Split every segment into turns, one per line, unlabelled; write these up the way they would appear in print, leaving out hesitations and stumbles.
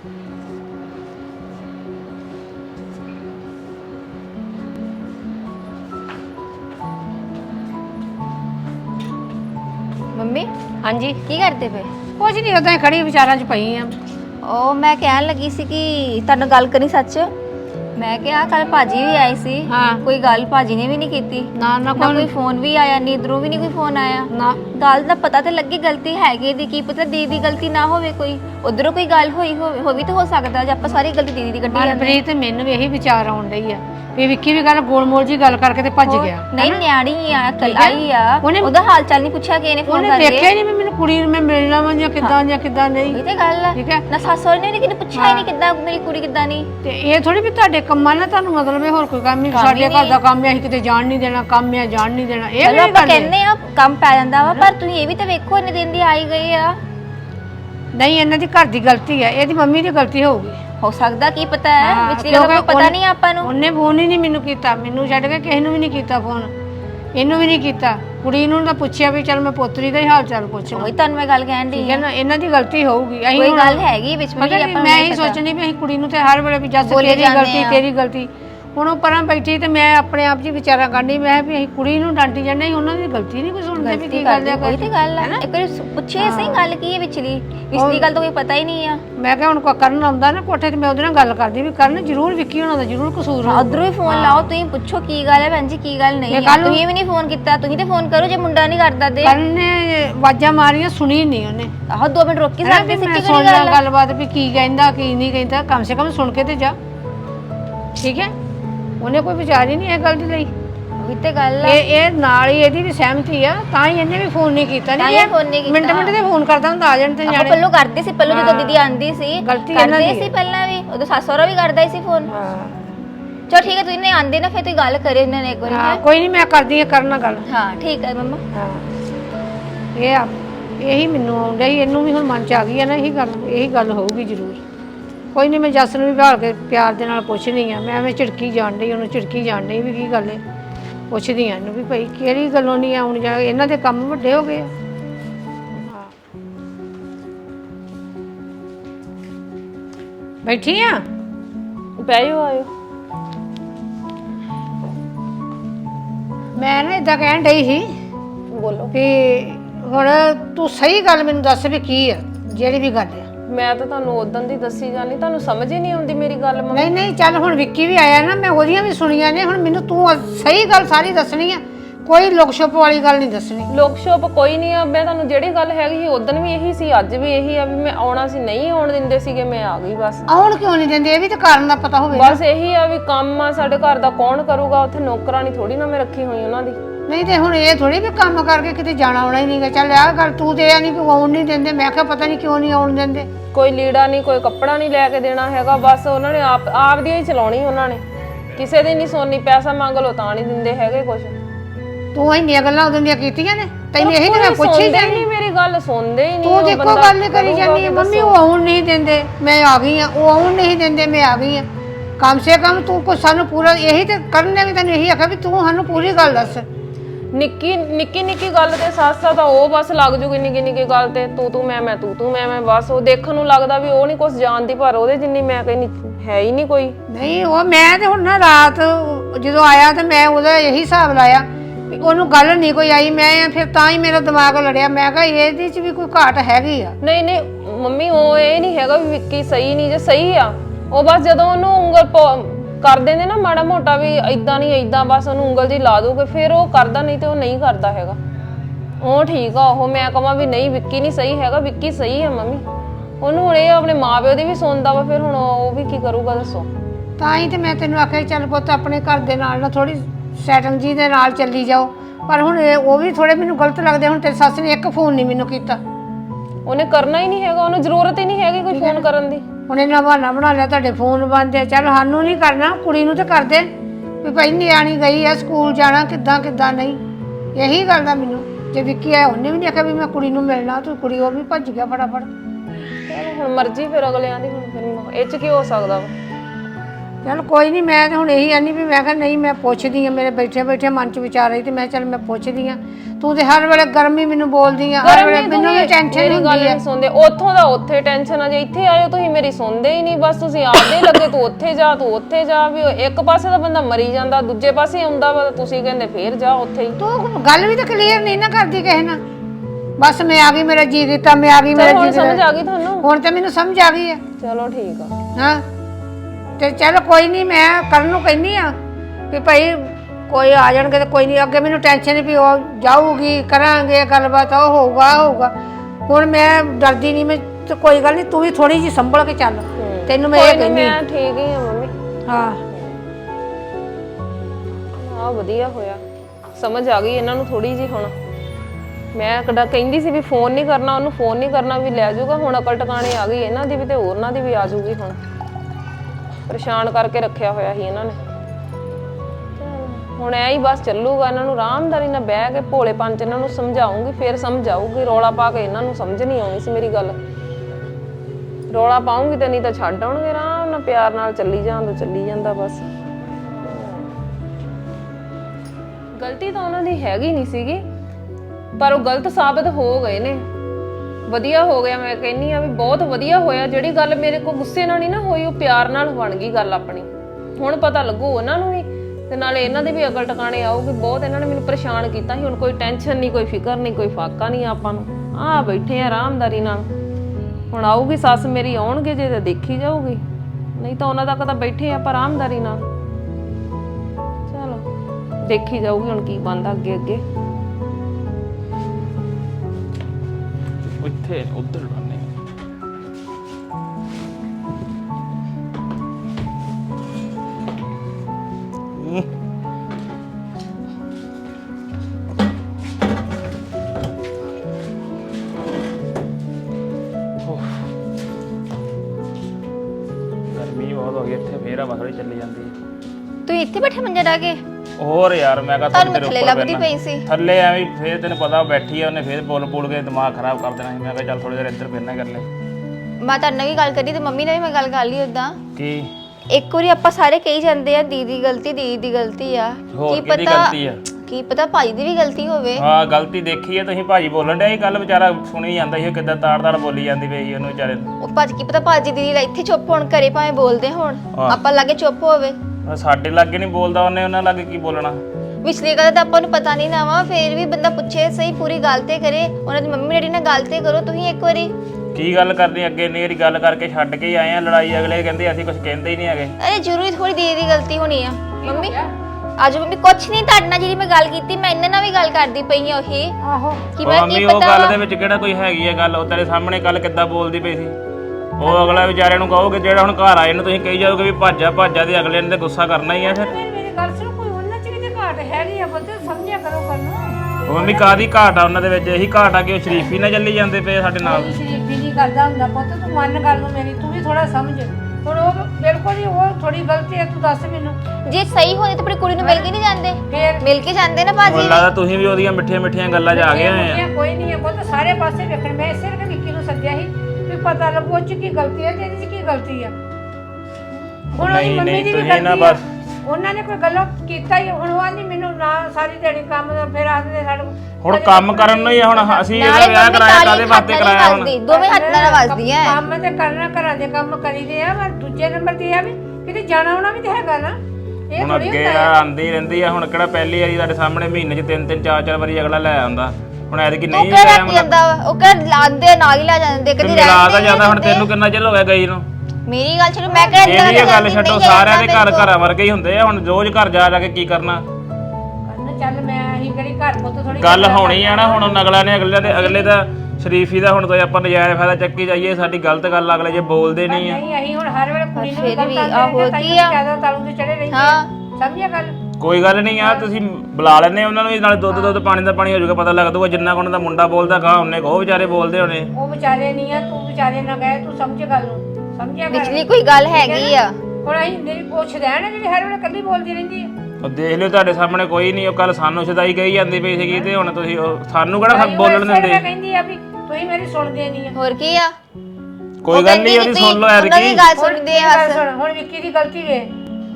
Mummy
हाँ जी
ਕੀ ਕਰਦੇ ਪਏ?
कुछ नहीं उदा ही खड़ी विचारां च पई हाँ।
ਉਹ ਮੈਂ ਕਹਿਣ ਲੱਗੀ ਸੀ ਕਿ ਤੁਹਾਨੂੰ ਗੱਲ ਕਰੀ ਸੱਚ। ਮੈਂ ਕਿਹਾ ਕੱਲ ਭਾਜੀ ਵੀ ਆਏ ਸੀ।
ਹਾਂ।
ਕੋਈ ਗੱਲ ਭਾਜੀ ਨੇ ਵੀ ਨਹੀਂ ਕੀਤੀ।
ना ना
ਨਾ
कोई
ਕੋਈ ਫੋਨ ਵੀ ਆਇਆ, ਨਹੀਂ ਇਧਰੋਂ ਵੀ ਨਹੀਂ ਕੋਈ ਫੋਨ ਆਇਆ।
ना
ਗੱਲ ਦਾ ਪਤਾ ਤੇ ਲੱਗੀ ਗਲਤੀ ਹੈਗੀ ਦੀ, ਕੀ ਪਤਾ ਦੀਦੀ ਦੀ ਗਲਤੀ ਨਾ ਹੋਵੇ, ਕੋਈ ਉਧਰੋਂ ਕੋਈ ਗੱਲ ਹੋਈ ਹੋਵੇ ਤਾਂ ਹੋ ਸਕਦਾ ਜੇ ਆਪਾਂ ਸਾਰੀ ਗਲਤੀ ਦੀਦੀ ਦੀ ਕੱਢੀ ਜਾਂਦੇ।
ਮਨਪ੍ਰੀਤ ਮੈਨੂੰ ਵੀ ਇਹੀ ਵਿਚਾਰ ਆਉਣ ਡਈ ਆ ਵੀ ਵਿੱਕੀ ਵੀ ਗੱਲ ਗੋਲਮੋਲ ਜੀ ਗੱਲ ਕਰਕੇ ਤੇ ਭੱਜ ਗਿਆ।
ਨਹੀਂ ਨਿਆਣੀ ਆ, ਕੱਲ ਆਈ ਆ,
ਉਹਨੇ-
ਉਹਦਾ ਹਾਲ ਚਾਲ ਨਹੀਂ ਪੁੱਛਿਆ ਕਿ ਇਹਨੇ ਫੋਨ
ਉਹਨੇ
ਕਰਕੇ।
ਦੇਖਿਆ ਹੀ ਨਹੀਂ ਵੀ ਮੈਨੂੰ ਕੁੜੀ ਨੂੰ ਮੈਂ ਮਿਲਣਾ ਵਾਂ ਜਾਂ ਕਿੱਦਾਂ ਨਹੀਂ।
ਇਹ ਤੇ ਗੱਲ ਆ।
ਠੀਕ ਹੈ।
ਨਾ ਸੱਸ ਸਹੁਰੇ ਨੇ ਕਿਹਨੇ ਪੁੱਛਿਆ ਹੀ ਨਹੀਂ ਕਿੱਦਾਂ ਮੇਰੀ ਕੁੜੀ ਕਿੱਦਾਂ ਨਹੀਂ।
ਤੇ ਇਹ ਥੋੜੀ ਵੀ ਤੁਹਾਡੇ ਕੰਮਾਂ ਨਾਲ ਤੁਹਾਨੂੰ ਮਤਲਬ ਹੈ, ਹੋਰ ਕੋਈ ਕੰਮ ਨਹੀਂ।
ਕੰਮ ਹੀ
ਸਾਡੇ ਘਰ
ਨਹੀਂ।
ਦਾ ਕੰਮ ਹੈ, ਅਸੀਂ ਕਿਤੇ ਜਾਣ ਨਹੀਂ ਦੇਣਾ, ਕੰਮ ਹੈ ਜਾਣ ਨਹੀਂ ਦੇਣਾ। ਇਹ
ਚਲੋ
ਵੀ
ਆਪਾਂ
ਕਰਦੇ
ਕਹਿੰਦੇ ਆ ਕੰਮ ਪੈ ਜਾਂਦਾ ਵਾ, ਪਰ ਤੁਸੀਂ ਇਹ ਵੀ ਤਾਂ ਵੇਖੋ ਇੰਨੇ ਦਿਨ ਦੀ ਆਈ ਗਈ ਆ।
ਨਹੀਂ, ਇਹਨਾਂ ਦੀ ਘਰ ਦੀ ਗਲਤੀ ਹੈ, ਇਹਦੀ ਮੰਮੀ ਦੀ ਗਲਤੀ ਹੋਊਗੀ।
ਹੋ ਸਕਦਾ ਕੀ ਪਤਾ ਹੈ,
ਹਾਂ,
ਵਿਚਲੀ ਗੱਲ ਕੋਈ ਪਤਾ ਨਹੀਂ ਆਪਾਂ ਨੂੰ।
ਉਹਨੇ ਫੋਨ ਹੀ ਨਹੀਂ ਮੈਨੂੰ ਕੀਤਾ, ਮੈਨੂੰ ਛੱਡ ਕੇ ਕਿਸੇ ਨੂੰ ਵੀ ਨਹੀਂ ਕੀਤਾ ਫੋਨ, ਇਹਨੂੰ ਵੀ ਨਹੀਂ ਕੀਤਾ। ਕੁੜੀ ਨੂੰ ਤਾਂ ਪੁੱਛਿਆ ਵੀ ਚੱਲ ਮੈਂ ਪੋਤਰੀ ਦਾ ਹੀ ਹਾਲ ਚਾਲ ਪੁੱਛਾਂ।
ਉਹੀ ਤੁਹਾਨੂੰ ਮੈਂ ਗੱਲ ਕਹਿਣ ਦੀ
ਠੀਕ ਹੈ ਨਾ, ਇਹਨਾਂ ਦੀ ਗਲਤੀ ਹੋਊਗੀ। ਅਸੀਂ
ਕੋਈ
ਹੁਣ-
ਗੱਲ ਹੈਗੀ ਵਿੱਚ ਵਿੱਚ
ਪਤਾ
ਆਪਾਂ
ਮੈਂ ਹੀ ਸੋਚਣੀ ਵੀ ਅਸੀਂ ਕੁੜੀ ਨੂੰ ਤੇ ਹਰ ਵੇਲੇ ਵੀ ਜੱਸ
ਬੋਲੇ
ਤੇਰੀ
ਜਾਂਦੇ
ਗਲਤੀ
ਆ।
ਤੇਰੀ ਗਲਤੀ। ਹੁਣ ਉਹ ਪਰਾਂ ਬੈਠੀ ਤੇ ਮੈਂ ਆਪਣੇ ਆਪ 'ਚ ਵਿਚਾਰਾ ਕਰਨੀ, ਮੈਂ ਵੀ ਅਸੀਂ ਕੁੜੀ ਨੂੰ ਡਾਂਟੀ ਜਾਂਦੇ, ਉਹਨਾਂ ਦੀ ਗਲਤੀ ਨਹੀਂ ਕੋਈ ਸੁਣਦੇ ਵੀ ਕੀ ਗੱਲ ਹੈ।
ਕੋਈ ਤੇ ਗੱਲ ਆ, ਇੱਕ ਵਾਰੀ ਪੁੱਛੇ ਸਹੀ ਗੱਲ ਕੀ ਹੈ ਵਿਚਲੀ, ਵਿਚਲੀ ਗੱਲ ਤਾਂ ਕੋਈ ਪਤਾ ਹੀ ਨਹੀਂ ਆ।
ਮੈਂ ਕਿਹਾ ਹੁਣ ਕਰਨ ਆਉਂਦਾ ਨਾ ਕੋਠੇ ਤੇ, ਮੈਂ ਉਹਦੇ ਨਾਲ ਗੱਲ ਕਰਦੀ ਵੀ ਕਰਨ ਜ਼ਰੂਰ ਵਿੱਕੀ ਹੋਣਾ ਦਾ ਜ਼ਰੂਰ ਕਸੂਰ ਹੋਊ।
ਉਧਰੋਂ ਹੀ ਫੋਨ ਲਾਓ, ਤੁਸੀਂ ਪੁੱਛੋ ਕੀ ਗੱਲ ਹੈ ਭੈਣ ਜੀ, ਕੀ ਗੱਲ ਨਹੀਂ ਆ। ਤੁਸੀਂ ਵੀ ਨਹੀਂ ਫੋਨ ਕੀਤਾ, ਤੁਸੀਂ ਤੇ ਫੋਨ ਕਰੋ ਜੇ ਮੁੰਡਾ ਨਹੀਂ ਕਰਦਾ ਤੇ।
ਕਰਨ ਨੇ ਆਵਾਜ਼ਾਂ ਮਾਰੀਆਂ, ਸੁਣੀ ਨਹੀਂ ਉਹਨੇ।
ਆਹੋ 2 ਮਿੰਟ ਰੁਕ ਕੇ ਸਕਦੇ ਸੀ,
ਮੈਂ
ਕਿ
ਸੁਣ
ਗੱਲ
ਲਾਂ
ਆ।
ਗੱਲਬਾਤ ਵੀ ਕੀ ਕਹਿੰਦਾ ਕੀ ਨਹੀਂ ਕਹਿੰਦਾ, ਕਮ ਸੇ ਕਮ ਸੁਣ ਕੇ ਤੇ ਜਾ। ਠੀਕ ਹੈ, ਉਹਨੇ ਕੋਈ ਵਿਚਾਰ ਹੀ ਨਹੀਂ ਇਹ ਗੱਲ ਦੇ ਲਈ।
ਉਹੀ ਤੇ ਗੱਲ ਆ।
ਇਹ ਨਾਲ ਹੀ ਇਹਦੀ ਵੀ ਸਹਿਮਤੀ ਆ, ਤਾਂ ਹੀ ਇਹਨੇ ਵੀ ਫੋਨ ਨਹੀਂ ਕੀਤਾ।
ਤਾਂ ਹੀ ਫੋਨ ਨਹੀਂ ਕੀਤਾ।
ਮਿੰਟ ਤੇ ਫੋਨ ਕਰਦਾ ਹੁੰਦਾ, ਆ ਜਾਣ ਤੇ
ਆਪਾਂ
ਜਾਣੇ।
ਪਹਿਲਾਂ ਕਰਦੇ ਸੀ, ਪਹਿਲਾਂ ਜਦੋਂ ਦੀਦੀ ਆਂਦੀ ਸੀ
ਗਲਤੀ ਇਹਨਾਂ
ਕਰਦੇ
ਦੀ
ਸੀ, ਪਹਿਲਾਂ ਵੀ ਉਦੋਂ ਸੱਸ ਸਹੁਰਾ ਵੀ ਕਰਦਾ ਹੀ ਸੀ ਫੋਨ।
ਹਾਂ
ਚਲੋ ਠੀਕ ਹੈ, ਤੁਸੀਂ ਨੇ ਆਂਦੇ ਨਾ ਫਿਰ ਤੁਸੀਂ ਗੱਲ ਕਰਿਓ ਇਹਨਾਂ ਨੇ ਇੱਕ ਵਾਰੀ।
ਹਾਂ, ਕੋਈ ਨਹੀਂ, ਮੈਂ ਕਰਦੀ ਆ ਕਰਨਾ ਗੱਲ।
ਹਾਂ ਠੀਕ ਹੈ ਮੰਮਾ।
ਹਾਂ, ਇਹੀ ਮੈਨੂੰ ਆਉਂਦਾ ਹੀ, ਇਹਨੂੰ ਵੀ ਹੁਣ ਮਨ ਚ ਆ ਗਈ ਆ ਨਾ ਇਹੀ ਗੱਲ ਹੋਊਗੀ ਜ਼ਰੂਰ। ਕੋਈ ਨਹੀਂ, ਮੈਂ ਜੱਸ ਨੂੰ ਵੀ ਭਾਲ ਕੇ ਪਿਆਰ ਦੇ ਨਾਲ ਪੁੱਛਦੀ ਆ। ਮੈਂ ਐਵੇਂ ਝਿੜਕੀ ਜਾਣ ਡਈ, ਉਹਨੂੰ ਝਿੜਕੀ ਜਾਣ ਡਈ ਵੀ ਕੀ ਗੱਲ ਹੈ। ਪੁੱਛਦੀ ਆ ਇਹਨੂੰ ਵੀ ਭਾਈ ਕਿਹੜੀ ਗੱਲੋਂ ਨਹੀਂ ਆਉਣ ਜਾ, ਇਹਨਾਂ ਦੇ ਕੰਮ ਵੱਡੇ ਹੋ ਗਏ ਆ। ਬੈਠੀ ਆ,
ਬਹਿਓ ਆਇਓ।
ਮੈਂ ਨਾ ਇਦਾਂ ਕਹਿਣ ਡਈ ਸੀ
ਬੋਲੋ।
ਵੀ ਹੁਣ ਤੂੰ ਸਹੀ ਗੱਲ ਮੈਨੂੰ ਦੱਸ ਵੀ ਕੀ ਆ, ਜਿਹੜੀ ਵੀ ਗੱਲ ਆ।
ਮੈਂ ਤਾਂ ਤੁਹਾਨੂੰ ਉਦੋਂ ਦੀ ਦੱਸੀ ਜਾਨੀ, ਤੁਹਾਨੂੰ ਸਮਝ ਹੀ ਨਹੀਂ ਆਉਂਦੀ ਮੇਰੀ ਗੱਲ ਮੰਮੀ।
ਨਹੀਂ ਨਹੀਂ, ਚੱਲ ਹੁਣ ਵਿੱਕੀ ਵੀ ਆਇਆ ਨਾ, ਮੈਂ ਉਹਦੀਆਂ ਵੀ ਸੁਣੀਆਂ ਨੇ। ਹੁਣ ਮੈਨੂੰ ਤੂੰ ਸਹੀ ਗੱਲ ਸਾਰੀ ਦੱਸਣੀ ਆ, ਕੋਈ ਲੁਕ ਛੁਪ ਵਾਲੀ ਗੱਲ ਨਹੀਂ ਦੱਸਣੀ।
ਲੋਕ ਸ਼ੋਪ ਕੋਈ ਨਹੀਂ ਆ। ਮੈਂ ਤੁਹਾਨੂੰ ਜਿਹੜੀ ਗੱਲ ਹੈਗੀ ਸੀ ਉਦੋਂ ਵੀ ਇਹੀ ਸੀ, ਅੱਜ ਵੀ ਇਹੀ ਆ ਵੀ ਮੈਂ ਆਉਣਾ ਸੀ, ਨਹੀਂ ਆਉਣ ਦਿੰਦੇ ਸੀਗੇ, ਮੈਂ ਆ ਗਈ ਬਸ।
ਆਉਣ ਕਿਉਂ ਨਹੀਂ ਦਿੰਦੇ, ਇਹ ਵੀ ਤਾਂ ਕਾਰਨ ਦਾ ਪਤਾ ਹੋਵੇ।
ਬਸ ਇਹੀ ਆ ਵੀ ਕੰਮ ਆ ਸਾਡੇ ਘਰ ਦਾ, ਕੌਣ ਕਰੂਗਾ ਉੱਥੇ, ਨੌਕਰਾਨੀ ਥੋੜੀ ਨਾ ਮੈਂ ਰੱਖੀ ਹੋਈ ਉਹਨਾਂ ਦੀ।
ਨਹੀਂ ਤੇ ਹੁਣ ਇਹ ਥੋੜੀ ਵੀ ਕੰਮ ਕਰਕੇ ਕਿਤੇ ਜਾਣਾ ਆਉਣਾ ਹੀ ਨਹੀਂਗਾ। ਚੱਲ ਆਹ ਗੱਲ ਤੂੰ ਤੇ ਇਹ ਨਹੀਂ ਵੀ ਆਉਣ ਨਹੀਂ ਦਿੰਦੇ, ਮੈਂ ਕਿਹਾ ਪਤਾ ਨਹੀਂ ਕਿਉਂ ਨਹੀਂ ਆਉਣ ਦਿੰਦੇ।
ਕੋਈ ਲੀੜਾ ਨਹੀਂ, ਕੋਈ ਕੱਪੜਾ ਨਹੀਂ ਲੈ ਕੇ ਦੇਣਾ ਹੈਗਾ, ਬਸ ਉਹਨਾਂ ਨੇ ਆਪ ਦੀ ਹੀ ਚਲਾਉਣੀ, ਉਹਨਾਂ ਨੇ ਕਿਸੇ ਦੀ ਨਹੀਂ ਸੁਣਨੀ। ਪੈਸਾ ਮੰਗ ਲਓ ਤਾਂ ਨਹੀਂ ਦਿੰਦੇ ਹੈਗੇ ਕੁਝ।
ਤੂੰ ਇੰਨੀਆਂ ਗੱਲਾਂ ਉਦੋਂ ਦੀਆਂ ਕੀਤੀਆਂ ਨੇ, ਤੈਨੂੰ ਇਹੀ ਤਾਂ ਮੈਂ ਪੁੱਛੀ
ਸੁਣਦੇ
ਜਾਂਦੀ।
ਨਹੀਂ ਮੇਰੀ ਗੱਲ, ਸੁਣਦੇ ਹੀ ਨਹੀਂ।
ਤੂੰ ਦੇਖੋ ਗੱਲ ਨਹੀਂ ਕਰੀ ਜਾਂਦੀ ਹੈ, ਮੰਮੀ ਉਹ ਆਉਣ ਨਹੀਂ ਦਿੰਦੇ, ਮੈਂ ਆ ਗਈ ਆ। ਉਹ ਆਉਣ ਨਹੀਂ ਦਿੰਦੇ, ਮੈਂ ਆ ਗਈ ਆ। ਕਮ ਸੇ ਕਮ ਤੂੰ ਕੁਛ ਸਾਨੂੰ ਪੂਰਾ, ਇਹੀ ਤੇ ਕਰਨ ਨੇ ਵੀ ਤੈਨੂੰ ਇਹੀ ਆਖਿਆ ਵੀ ਤੂੰ ਸਾਨੂੰ ਪੂਰੀ ਗੱਲ ਦੱਸ।
ਨਿੱਕੀ ਨਿੱਕੀ ਗੱਲ ਤੇ ਸੱਸ ਤਾਂ ਉਹ ਬਸ ਲੱਗ ਜੂਗੀ ਨਿੱਕੀ ਗੱਲ ਤੇ ਤੂੰ ਮੈਂ ਤੂੰ ਮੈਂ ਬਸ। ਉਹ ਦੇਖਣ ਨੂੰ ਲੱਗਦਾ ਵੀ ਉਹ ਨਹੀਂ ਕੁਝ ਜਾਣਦੀ, ਪਰ ਉਹਦੇ ਜਿੰਨੀ ਮੈਂ ਕਹਿੰਦੀ ਹੈ ਹੀ ਨਹੀਂ ਕੋਈ।
ਨਹੀਂ ਉਹ ਮੈਂ ਤੇ ਹੁਣ ਨਾ ਰਾਤ ਜਦੋਂ ਆਇਆ ਤੇ ਮੈਂ ਉਹਦਾ ਇਹੀ ਹਿਸਾਬ ਲਾਇਆ ਵੀ ਉਹਨੂੰ ਗੱਲ ਨਹੀਂ ਕੋਈ ਆਈ। ਮੈਂ ਫਿਰ ਤਾਂ ਹੀ ਮੇਰਾ ਦਿਮਾਗ ਲੜਿਆ, ਮੈਂ ਕਿਹਾ ਇਹਦੇ 'ਚ ਵੀ ਕੋਈ ਘਾਟ ਹੈਗੀ ਆ।
ਨਹੀਂ ਮੰਮੀ, ਉਹ ਇਹ ਨਹੀਂ ਹੈਗਾ ਵੀ ਵਿੱਕੀ ਸਹੀ ਨਹੀਂ, ਜੇ ਸਹੀ ਆ ਉਹ ਬਸ ਜਦੋਂ ਉਹਨੂੰ ਉਂਗਲ ਕਰ ਦਿੰਦੇ ਨਾ ਮਾੜਾ ਮੋਟਾ ਵੀ ਇਦਾਂ ਨਹੀਂ ਇਦਾਂ, ਬਸ ਉਹਨੂੰ ਉਂਗਲ ਜੀ ਲਾ ਦੋਗੇ ਫਿਰ ਉਹ ਕਰਦਾ, ਨਹੀਂ ਤੇ ਉਹ ਨਹੀਂ ਕਰਦਾ ਹੈਗਾ। ਉਹ ਠੀਕ ਆ। ਉਹ ਮੈਂ ਕਹਾਂ ਵੀ ਨਹੀਂ ਵਿੱਕੀ ਨਹੀਂ ਸਹੀ ਹੈਗਾ, ਵਿੱਕੀ ਸਹੀ ਆ ਮੰਮੀ। ਉਹਨੂੰ ਹੁਣ ਇਹ ਆਪਣੇ ਮਾਪਿਓ ਦੀ ਵੀ ਸੁਣਦਾ ਵਾ, ਫਿਰ ਹੁਣ ਉਹ ਵੀ ਕੀ ਕਰੂਗਾ ਦੱਸੋ।
ਤਾਂ ਹੀ ਤੇ ਮੈਂ ਤੈਨੂੰ ਆਖਿਆ ਚੱਲ ਪੁੱਤ ਆਪਣੇ ਘਰ ਦੇ ਨਾਲ ਨਾ ਥੋੜੀ ਸੈਟਿੰਗ ਜੀ ਦੇ ਨਾਲ ਚੱਲੀ ਜਾਓ। ਪਰ ਹੁਣ ਉਹ ਵੀ ਥੋੜੇ ਮੈਨੂੰ ਗਲਤ ਲੱਗਦੇ। ਹੁਣ ਤੇਰੀ ਸੱਸ ਨੇ ਇੱਕ ਫੋਨ ਨਹੀਂ ਮੈਨੂੰ ਕੀਤਾ,
ਉਹਨੇ ਕਰਨਾ ਹੀ ਨਹੀਂ ਹੈਗਾ, ਉਹਨੂੰ ਜ਼ਰੂਰਤ ਹੀ ਨਹੀਂ ਹੈਗੀ ਕੋਈ ਫੋਨ ਕਰਨ ਦੀ।
ਹੁਣ ਇਹਨਾਂ ਬਹਾਨਾ ਬਣਾ ਲਿਆ ਤੁਹਾਡੇ ਫੋਨ ਬੰਦ ਆ। ਚੱਲ ਸਾਨੂੰ ਨਹੀਂ ਕਰਨਾ, ਕੁੜੀ ਨੂੰ ਤੇ ਕਰਦੇ ਵੀ ਭਾਈ ਨਿਆਣੀ ਗਈ ਆ ਸਕੂਲ ਜਾਣਾ, ਕਿੱਦਾਂ ਨਹੀਂ। ਇਹੀ ਗੱਲ ਦਾ ਮੈਨੂੰ, ਜੇ ਵਿੱਕੀ ਆਇਆ ਉਹਨੇ ਵੀ ਨਹੀਂ ਆਖਿਆ ਵੀ ਮੈਂ ਕੁੜੀ ਨੂੰ ਮਿਲਣਾ, ਤੂੰ ਕੁੜੀ ਉਹ ਵੀ ਭੱਜ ਗਿਆ ਫਟਾਫਟ।
ਹੁਣ ਮਰਜ਼ੀ ਫਿਰ ਅਗਲਿਆਂ ਦੀ, ਹੁਣ ਫਿਰ ਇਹ 'ਚ ਕੀ ਹੋ ਸਕਦਾ ਵਾ।
ਚਲ ਕੋਈ ਨਹੀਂ, ਮੈਂ ਤੇ ਹੁਣ ਇਹੀ ਆਨੀ ਵੀ ਮੈਂ ਕਿਹਾ ਨਹੀਂ ਮੈਂ ਪੁੱਛਦੀ ਆ, ਮੇਰੇ ਬੈਠੇ ਬੈਠੇ ਮਨ ਚ ਵਿਚਾਰ ਰਹੀ ਤੇ ਮੈਂ ਚੱਲ ਮੈਂ ਪੁੱਛਦੀ ਆ। ਤੂੰ ਤੇ ਹਰ ਵੇਲੇ ਗਰਮੀ ਮੈਨੂੰ ਬੋਲਦੀ ਆ, ਹਰ ਵੇਲੇ ਮੈਨੂੰ ਵੀ ਟੈਨਸ਼ਨ
ਮੇਰੀ ਗੱਲ
ਹੁੰਦੀ ਆ।
ਨਹੀਂ ਸੁਣਦੇ, ਉੱਥੋਂ ਦਾ ਉੱਥੇ ਟੈਨਸ਼ਨ ਆ, ਜੇ ਇੱਥੇ ਆਇਓ ਤੁਸੀਂ ਮੇਰੀ ਸੁਣਦੇ ਹੀ ਨਹੀਂ, ਬਸ ਤੁਸੀਂ ਆਪਦੇ ਲੱਗੇ ਤੂੰ ਉੱਥੇ ਜਾ ਤੂੰ ਉੱਥੇ ਜਾ, ਵੀ ਇੱਕ ਪਾਸੇ ਦਾ ਬੰਦਾ ਮਰੀ ਜਾਂਦਾ ਦੂਜੇ ਪਾਸੇ ਆਉਂਦਾ ਵਾ, ਤੁਸੀਂ ਕਹਿੰਦੇ ਫੇਰ ਜਾ ਉੱਥੇ ਹੀ।
ਤੂੰ ਗੱਲ ਵੀ ਤਾਂ ਕਲੀਅਰ ਨਹੀਂ ਨਾ ਕਰਦੀ ਕਿਸੇ ਨਾਲ, ਬਸ ਮੈਂ ਆ ਗਈ ਮੇਰਾ ਜੀ ਦਿੱਤਾ, ਮੈਂ ਆ ਗਈ ਮੇਰਾ
ਹੁਣ
ਜੀ
ਸਮਝ
ਦਿੱਤਾ।
ਆ ਗਈ ਤੁਹਾਨੂੰ?
ਹੁਣ ਤੇ ਮੈਨੂੰ ਸਮਝ ਆ ਗਈ ਆ।
ਚਲੋ ਠੀਕ ਆ।
ਹਾਂ ਤੇ ਚਲ ਕੋਈ ਨਹੀਂ, ਮੈਂ ਕਰਨ ਨੂੰ ਕਹਿੰਦੀ ਆ ਵੀ ਭਾਈ ਕੋਈ ਆ ਜਾਣਗੇ ਤੇ ਕੋਈ ਨਹੀਂ, ਅੱਗੇ ਮੈਨੂੰ ਟੈਨਸ਼ਨ ਨਹੀਂ ਵੀ ਉਹ ਜਾਊਗੀ ਕਰਾਂਗੇ ਗੱਲਬਾਤ, ਉਹ ਹੋਊਗਾ। ਹੁਣ ਮੈਂ ਡਰਦੀ ਨਹੀਂ, ਮੈਂ ਤੇ ਕੋਈ ਗੱਲ ਨਹੀਂ, ਤੂੰ ਵੀ ਥੋੜੀ ਜਿਹੀ ਸੰਭਲ ਕੇ ਚੱਲ, ਤੈਨੂੰ ਮੈਂ ਇਹ ਕਹਿੰਦੀ।
ਮੈਂ ਠੀਕ ਹੀ ਆ ਮੰਮੀ।
ਹਾਂ
ਆ ਵਧੀਆ ਹੋਇਆ, ਸਮਝ ਆ ਗਈ ਇਹਨਾਂ ਨੂੰ ਥੋੜੀ ਜੀ। ਹੁਣ ਮੈਂ ਕਦਾ ਕਹਿੰਦੀ ਸੀ ਵੀ ਫੋਨ ਨਹੀਂ ਕਰਨਾ, ਉਹਨੂੰ ਫੋਨ ਨਹੀਂ ਕਰਨਾ, ਵੀ ਲੈ ਜਾਊਗਾ। ਹੁਣ ਅਕਲ ਟਿਕਾਣੇ ਆ ਗਈ ਇਹਨਾਂ ਦੀ ਵੀ ਤੇ ਹੋਰਨਾਂ ਦੀ ਵੀ ਆ ਜਾਊਗੀ। ਹੁਣ ਪਰੇਸ਼ਾਨ ਕਰਕੇ ਰੱਖਿਆ ਹੋਇਆ ਸੀ ਇਹਨਾਂ ਨੇ। ਹੁਣ ਐ ਹੀ ਬਸ ਚੱਲੂਗਾ, ਇਹਨਾਂ ਨੂੰ ਆਰਾਮਦਾਰੀ ਨਾਲ ਬਹਿ ਕੇ ਭੋਲੇ ਪੰਚ ਇਹਨਾਂ ਨੂੰ ਸਮਝਾਉਂਗੀ, ਫੇਰ ਸਮਝ ਆਊਗੀ। ਰੌਲਾ ਪਾ ਕੇ ਇਹਨਾਂ ਨੂੰ ਸਮਝ ਨਹੀਂ ਆਉਣੀ ਸੀ ਮੇਰੀ ਗੱਲ। ਰੌਲਾ ਪਾਉਂਗੀ ਤੇ ਨਹੀਂ ਤਾਂ ਛੱਡ ਆਉਣਗੇ, ਆਰਾਮ ਨਾਲ ਪਿਆਰ ਨਾਲ ਚੱਲੀ ਜਾਂਦਾ ਬਸ। ਗਲਤੀ ਤਾਂ ਉਹਨਾਂ ਦੀ ਹੈਗੀ ਨਹੀਂ ਸੀਗੀ, ਪਰ ਉਹ ਗਲਤ ਸਾਬਤ ਹੋ ਗਏ ਨੇ। ਵਧੀਆ ਹੋ ਗਿਆ, ਮੈਂ ਕਹਿੰਨੀ ਆ ਵੀ ਬਹੁਤ ਵਧੀਆ ਹੋਇਆ। ਜਿਹੜੀ ਗੱਲ ਮੇਰੇ ਕੋਲ ਗੁੱਸੇ ਨਾਲ ਨਹੀਂ ਨਾ ਹੋਈ, ਉਹ ਪਿਆਰ ਨਾਲ ਬਣ ਗਈ ਗੱਲ ਆਪਣੀ। ਹੁਣ ਪਤਾ ਲੱਗੂ ਉਹਨਾਂ ਨੂੰ ਵੀ, ਤੇ ਨਾਲੇ ਇਹਨਾਂ ਦੇ ਵੀ ਅਕਲ ਟਿਕਾਣੇ ਆਊਗੀ। ਬਹੁਤ ਇਹਨਾਂ ਨੇ ਮੈਨੂੰ ਪਰੇਸ਼ਾਨ ਕੀਤਾ ਸੀ, ਹੁਣ ਕੋਈ ਟੈਨਸ਼ਨ ਨਹੀਂ, ਕੋਈ ਫਿਕਰ ਨਹੀਂ, ਕੋਈ ਫਾਕਾ ਨਹੀਂ ਆਪਾਂ ਨੂੰ। ਆ ਬੈਠੇ ਆ ਆਰਾਮਦਾਰੀ ਨਾਲ। ਹੁਣ ਆਊਗੀ ਸੱਸ ਮੇਰੀ, ਆਉਣਗੇ ਜੇ ਤਾਂ ਦੇਖੀ ਜਾਊਗੀ, ਨਹੀਂ ਤਾਂ ਉਹਨਾਂ ਤੱਕ ਤਾਂ ਬੈਠੇ ਆਪਾਂ ਆਰਾਮਦਾਰੀ ਨਾਲ। ਚਲੋ ਦੇਖੀ ਜਾਊਗੀ ਹੁਣ ਕੀ ਬਣਦਾ ਅੱਗੇ ਅੱਗੇ।
ਇੱਥੇ ਉਧਰ ਬਣਨੇ ਗਰਮੀ ਬਹੁਤ ਹੋ ਗਈ ਇੱਥੇ, ਫੇਰ ਹਵਾ ਥੋੜੀ ਚੱਲੀ ਜਾਂਦੀ ਹੈ।
ਤੂੰ ਇੱਥੇ ਬੈਠੇ ਮੰਜਾ ਡਾ ਕੇ?
ਹੋਰ ਯਾਰ ਮੈਂ ਕਹਾਂ
ਤੁਹਾਨੂੰ ਥੱਲੇ ਲੱਭਦੀ ਪਈ ਸੀ।
ਥੱਲੇ ਐਵੇਂ ਫੇਰ ਤੈਨੂੰ ਪਤਾ ਬੈਠੀ ਆ, ਉਹਨੇ ਫੇਰ ਬੋਲ ਕੇ ਦਿਮਾਗ ਖਰਾਬ ਕਰ ਦੇਣਾ ਸੀ। ਮੈਂ ਕਿਹਾ ਚੱਲ ਥੋੜੀ ਦੇਰ ਇੱਧਰ ਫਿਰਨਾ ਕਰ ਲੈ।
ਮੈਂ ਤੁਹਾਡੇ ਨਾਲ ਵੀ ਗੱਲ ਕਰੀ ਤੇ ਮੰਮੀ ਨਾਲ ਵੀ ਮੈਂ ਗੱਲ ਕਰ ਲਈ ਉਦਾਂ।
ਕੀ
ਇੱਕ ਵਾਰੀ ਆਪਾਂ ਸਾਰੇ ਕਹੀ ਜਾਂਦੇ ਆ ਦੀਦੀ ਦੀ ਗਲਤੀ ਆ,
ਹੋਰ ਕਿਹਦੀ ਗਲਤੀ ਆ?
ਕੀ ਪਤਾ ਭਾਈ ਦੀ ਵੀ ਗਲਤੀ ਹੋਵੇ।
ਹਾਂ ਗਲਤੀ ਦੇਖੀ ਹੈ ਤੁਸੀਂ, ਭਾਜੀ ਬੋਲਣ ਡਿਆ ਇਹ ਗੱਲ, ਵਿਚਾਰਾ ਸੁਣੀ ਜਾਂਦਾ ਸੀ ਕਿੱਦਾਂ ਤਾੜ ਬੋਲੀ ਜਾਂਦੀ ਪਈ ਉਹਨੂੰ ਵਿਚਾਰੇ ਨੂੰ।
ਉਹ ਭੱਜ ਕੀ ਪਤਾ ਭਾਜੀ ਦੀਦੀ ਲਈ ਇੱਥੇ ਚੁੱਪ ਹੋਣ, ਘਰੇ ਭਾਵੇਂ ਬੋਲਦੇ ਹੋਣ, ਆਪਾਂ ਲਾਗੇ ਚੁੱਪ ਹੋਵੇ।
ਸਾਡੇ ਲਾਗੇ ਨਹੀਂ ਬੋਲਦਾ ਉਹਨੇ, ਉਹਨਾਂ ਲਾਗੇ ਕੀ ਬੋਲਣਾ।
ਪਿਛਲੀ ਗੱਲ ਤਾਂ ਆਪਾਂ ਨੂੰ ਪਤਾ ਨਹੀਂ ਨਾ ਵਾ, ਫੇਰ ਵੀ ਬੰਦਾ ਪੁੱਛੇ ਸਹੀ, ਪੂਰੀ ਗੱਲ ਤੇ ਕਰੇ। ਉਹਨਾਂ ਦੀ ਮੰਮੀ ਡੈਡੀ ਨਾਲ ਗੱਲ ਤੇ ਕਰੋ ਤੁਸੀਂ ਇੱਕ ਵਾਰੀ।
ਕੀ ਗੱਲ ਕਰਨੀ ਅੱਗੇ, ਨੇਰੀ ਗੱਲ ਕਰਕੇ ਛੱਡ ਕੇ ਹੀ ਆਏ ਆ। ਲੜਾਈ ਅਗਲੇ ਕਹਿੰਦੇ ਅਸੀਂ ਕੁਝ ਕਹਿੰਦੇ ਹੀ ਨਹੀਂ ਹੈਗੇ।
ਅਰੇ ਜ਼ਰੂਰੀ ਥੋੜੀ ਦੀਦੀ ਦੀ ਗਲਤੀ ਹੋਣੀ ਆ ਮੰਮੀ। ਅੱਜ ਮੰਮੀ ਕੁਛ ਨਹੀਂ, ਤੁਹਾਡੇ ਨਾਲ ਜਿਹੜੀ ਮੈਂ ਗੱਲ ਕੀਤੀ ਮੈਂ ਇਹਨਾਂ ਨਾਲ ਵੀ ਗੱਲ ਕਰਦੀ ਪਈ ਆ ਉਹੀ।
ਆਹੋ
ਕਿ ਮੈਂ
ਮੰਮੀ
ਕੀ
ਉਹ
ਪਤਾ
ਗੱਲ ਦੇ ਵਿੱਚ ਕਿਹੜਾ ਕੋਈ ਹੈਗੀ ਆ ਗੱਲ, ਉਹ ਤੇਰੇ ਸਾਹਮਣੇ ਕੱਲ ਕਿੱਦਾਂ ਬੋਲਦੀ ਪਈ ਸੀ। ਉਹ ਅਗਲਾ ਵਿਚਾਰੇ ਨੂੰ ਕਹੋਗੇ, ਜਿਹੜਾ ਹੁਣ ਘਰ ਆਏ ਨੂੰ ਤੁਸੀਂ ਕਹੀ ਜਾਓਗੇ ਵੀ ਭਾਜਾ ਤੇ ਅਗਲੇ ਨੇ ਤੇ ਗੁੱਸਾ ਕਰਨਾ ਹੀ ਆ। ਫਿਰ
ਮੇਰੀ ਗੱਲ ਸੁਣ, ਕੋਈ ਉਹਨਾਂ ਚ ਕਿਤੇ ਘਾਟ ਹੈਗੀ ਆ, ਪੁੱਤ ਸਮਝਿਆ ਕਰੋ ਗੱਲ ਨੂੰ।
ਉਹ ਮੰਮੀ ਕਾਹਦੀ ਘਾਟ ਆ ਉਹਨਾਂ ਦੇ ਵਿੱਚ? ਇਹੀ ਘਾਟ ਆ ਕਿ ਉਹ ਸ਼ਰੀਫੀ ਨਾਲ ਚੱਲੀ ਜਾਂਦੇ ਪਏ ਸਾਡੇ ਨਾਲ।
ਸ਼ਰੀਫੀ ਨਹੀਂ ਕਰਦਾ ਹੁੰਦਾ ਪੁੱਤ, ਤੂੰ ਮੰਨ ਗੱਲ ਨੂੰ ਮੇਰੀ, ਤੂੰ ਵੀ ਥੋੜਾ ਸਮਝ। ਹੁਣ ਉਹ ਬਿਲਕੁਲ ਹੀ ਉਹ ਥੋੜੀ ਗਲਤੀ ਹੈ, ਤੂੰ ਦੱਸ ਮੈਨੂੰ।
ਜੇ ਸਹੀ ਹੋਣੀ ਤਾਂ ਆਪਣੀ ਕੁੜੀ ਨੂੰ ਮਿਲ ਕੇ ਨਹੀਂ ਜਾਂਦੇ?
ਫੇਰ
ਮਿਲ ਕੇ ਜਾਂਦੇ ਨਾ ਭਾਜੀ।
ਮੈਨੂੰ ਲੱਗਦਾ ਤੁਸੀਂ ਵੀ ਉਹਦੀਆਂ ਮਿੱਠੀਆਂ ਗੱਲਾਂ 'ਚ ਆ ਗਏ ਹੋਏ ਆ।
ਕੋਈ ਨਹੀਂ ਹੈ ਪੁੱਤ, ਸਾਰੇ ਪਾਸੇ ਵੇਖਣ। ਮੈਂ ਇਸੇ ਕਰਕੇ ਵਿੱਕੀ ਨੂੰ ਸੱਦਿਆ ਸੀ ਵੀ ਪਤਾ ਲੱਗੂ ਉਹ ਚ ਕੀ ਗਲਤੀ ਹੈ ਤੇ ਇਹਦੇ ਚ ਕੀ ਗਲਤੀ ਆ। ਹੁਣ ਉਹਦੀ ਮੰਮੀ ਦੀ ਵੀ ਗਲਤੀ ਆ, ਉਹਨਾਂ ਨੇ ਕੋਈ ਗਲਤ ਕੀਤਾ ਹੀ। ਹੁਣ ਉਹ ਆਂਦੀ ਮੈਨੂੰ ਨਾ ਸਾਰੀ ਦਿਹਾੜੀ ਕੰਮ ਦਾ, ਫਿਰ ਆਖਦੇ ਸਾਡੇ
ਹੁਣ ਕੰਮ ਕਰਨ ਨੂੰ ਹੀ ਹੁਣ ਅਸੀਂ ਇਹਦਾ ਵਿਆਹ ਕਰਾਇਆ, ਕਾਹਦੇ ਵਾਸਤੇ ਕਰਾਇਆ? ਹੁਣ
ਦੋਵੇਂ ਹੱਥ ਨਾਲ ਵੱਜਦੀਆਂ ਐ।
ਕੰਮ ਤੇ ਕਰਨਾ, ਘਰਾਂ ਦੇ ਕੰਮ ਕਰੀਦੇ ਆ, ਪਰ ਦੂਜੇ ਨੰਬਰ ਤੇ ਆ ਵੀ ਕਿਤੇ ਜਾਣਾ ਆਉਣਾ ਵੀ ਤੇ ਹੈਗਾ ਨਾ। ਇਹ
ਹੁਣ
ਥੋੜੀ
ਅੱਗੇ ਆਂਦੀ ਰਹਿੰਦੀ ਆ। ਹੁਣ ਕਿਹੜਾ ਪਹਿਲੀ ਵਾਰੀ ਤੁਹਾਡੇ ਸਾਹਮਣੇ ਮਹੀਨੇ 'ਚ 3-3 4-4 ਵਾਰੀ ਅਗਲਾ ਲੈ ਆਉਂਦਾ। ਹੁਣ ਐਤਕੀ ਨਹੀਂ
ਉਹ
ਟਾਈਮ
ਜਾਂਦਾ ਉਹ ਕਰ ਲਾਉਂਦੇ ਨਾਲ ਹੀ ਲੈ ਜਾਂਦੇ, ਕਦੀ
ਮਿਲਾ ਤਾਂ ਜਾਂਦਾ। ਹੁਣ ਤੈਨੂੰ ਕਿੰਨਾ ਚਿਰ ਹੋ ਗਿਆ ਗਈ ਨੂੰ?
ਮੇਰੀ ਗੱਲ ਸੁਣੋ, ਮੈਂ ਕਿਹੜਾ
ਇਹ ਗੱਲ ਛੱਡੋ, ਸਾਰਿਆਂ ਦੇ ਘਰਾਂ ਵਰਗੇ ਹੀ ਹੁੰਦੇ ਆ। ਹੁਣ ਰੋਜ਼ ਘਰ ਜਾ ਕੇ ਕੀ ਕਰਨਾ?
ਚੱਲ ਮੈਂ ਅਸੀਂ ਕਿਹੜੀ ਘਰ ਪੁੱਤ ਥੋੜੀ
ਗੱਲ ਹੋਣੀ ਆ ਨਾ। ਹੁਣ ਅਗਲਾ ਨੇ ਅਗਲੇ ਦਾ ਸ਼ਰੀਫੀ ਦਾ ਹੁਣ ਤੋਂ ਆਪਾਂ ਨਜਾਇਜ਼ ਫਾਇਦਾ ਚੱਕੀ ਜਾਈਏ, ਸਾਡੀ ਗਲਤ ਗੱਲ ਅਗਲੇ ਜੇ ਬੋਲਦੇ ਨਹੀਂ ਆ।
ਨਹੀਂ ਅਸੀਂ ਹੁਣ ਹਰ ਵੇਲੇ ਕੁੜੀ ਨੂੰ
ਫਿਰ ਵੀ ਆਹੋ ਕੀ ਆ,
ਜ਼ਿਆਦਾ ਤਾਲੂ ਤੇ ਚੜੇ ਰਹਿੰਦੇ।
ਹਾਂ
ਸਮਝਿਆ ਗੱਲ?
ਕੋਈ ਗੱਲ ਨਹੀਂ ਆ, ਤੁਸੀਂ ਬੁਲਾ ਲੈਣੇ ਉਹਨਾਂ ਨੂੰ ਵੀ, ਨਾਲੇ ਦੁੱਧ ਪਾਣੀ ਦਾ ਪਾਣੀ ਹੋ ਜਾਊਗਾ, ਪਤਾ ਲੱਗ ਦੂਗਾ। ਜਿੰਨਾ ਉਹਨਾਂ ਦਾ ਮੁੰਡਾ ਬੋਲਦਾ ਕਹਾ ਉਹਨੇ ਕਹੋ ਵਿਚਾਰੇ ਬੋਲਦੇ ਹੋਣੇ।
ਉਹ ਵਿਚਾਰੇ ਨਹੀਂ ਆ, ਤੂੰ ਵਿਚਾਰੇ ਨਾ ਗਏ, ਤੂੰ ਸਮਝ ਗੱਲ ਨੂੰ। ਸਮਝਿਆ ਗੱਲ?
ਪਿਛਲੀ ਕੋਈ ਗੱਲ ਹੈਗੀ ਆ।
ਹੁਣ ਅਸੀਂ ਮੇਰੀ ਪੁੱਛਦੇ ਆ ਨਾ, ਜਿਹੜੀ ਹਰ ਵੇਲੇ ਕੱਲੀ ਬੋਲਦੀ ਰਹਿੰਦੀ ਆ।
ਉਹ ਦੇਖ ਲਿਓ ਤੁਹਾਡੇ ਸਾਹਮਣੇ ਕੋਈ ਨਹੀਂ। ਉਹ ਕੱਲ ਸਾਨੂੰ ਸ਼ਦਾਈ ਕਹੀ ਜਾਂਦੀ ਪਈ ਸੀਗੀ, ਤੇ ਹੁਣ ਤੁਸੀਂ ਸਾਨੂੰ ਕਿਹੜਾ ਬੋਲਣ ਦਿੰਦੇ?
ਕਹਿੰਦੀ ਆ ਵੀ ਤੁਸੀਂ ਮੇਰੀ ਸੁਣਦੇ ਨਹੀਂ ਆ।
ਹੋਰ ਕੀ ਆ?
ਕੋਈ ਗੱਲ ਨਹੀਂ, ਉਹਦੀ ਸੁਣ ਲਓ ਯਾਰ।
ਉਹਨਾਂ ਦੀ ਗੱਲ ਸੁਣਦੇ ਆ
ਗੱਲ ਸੁਣ, ਹੁਣ ਵਿੱਕੀ ਦੀ ਗਲਤੀ ਵੇ।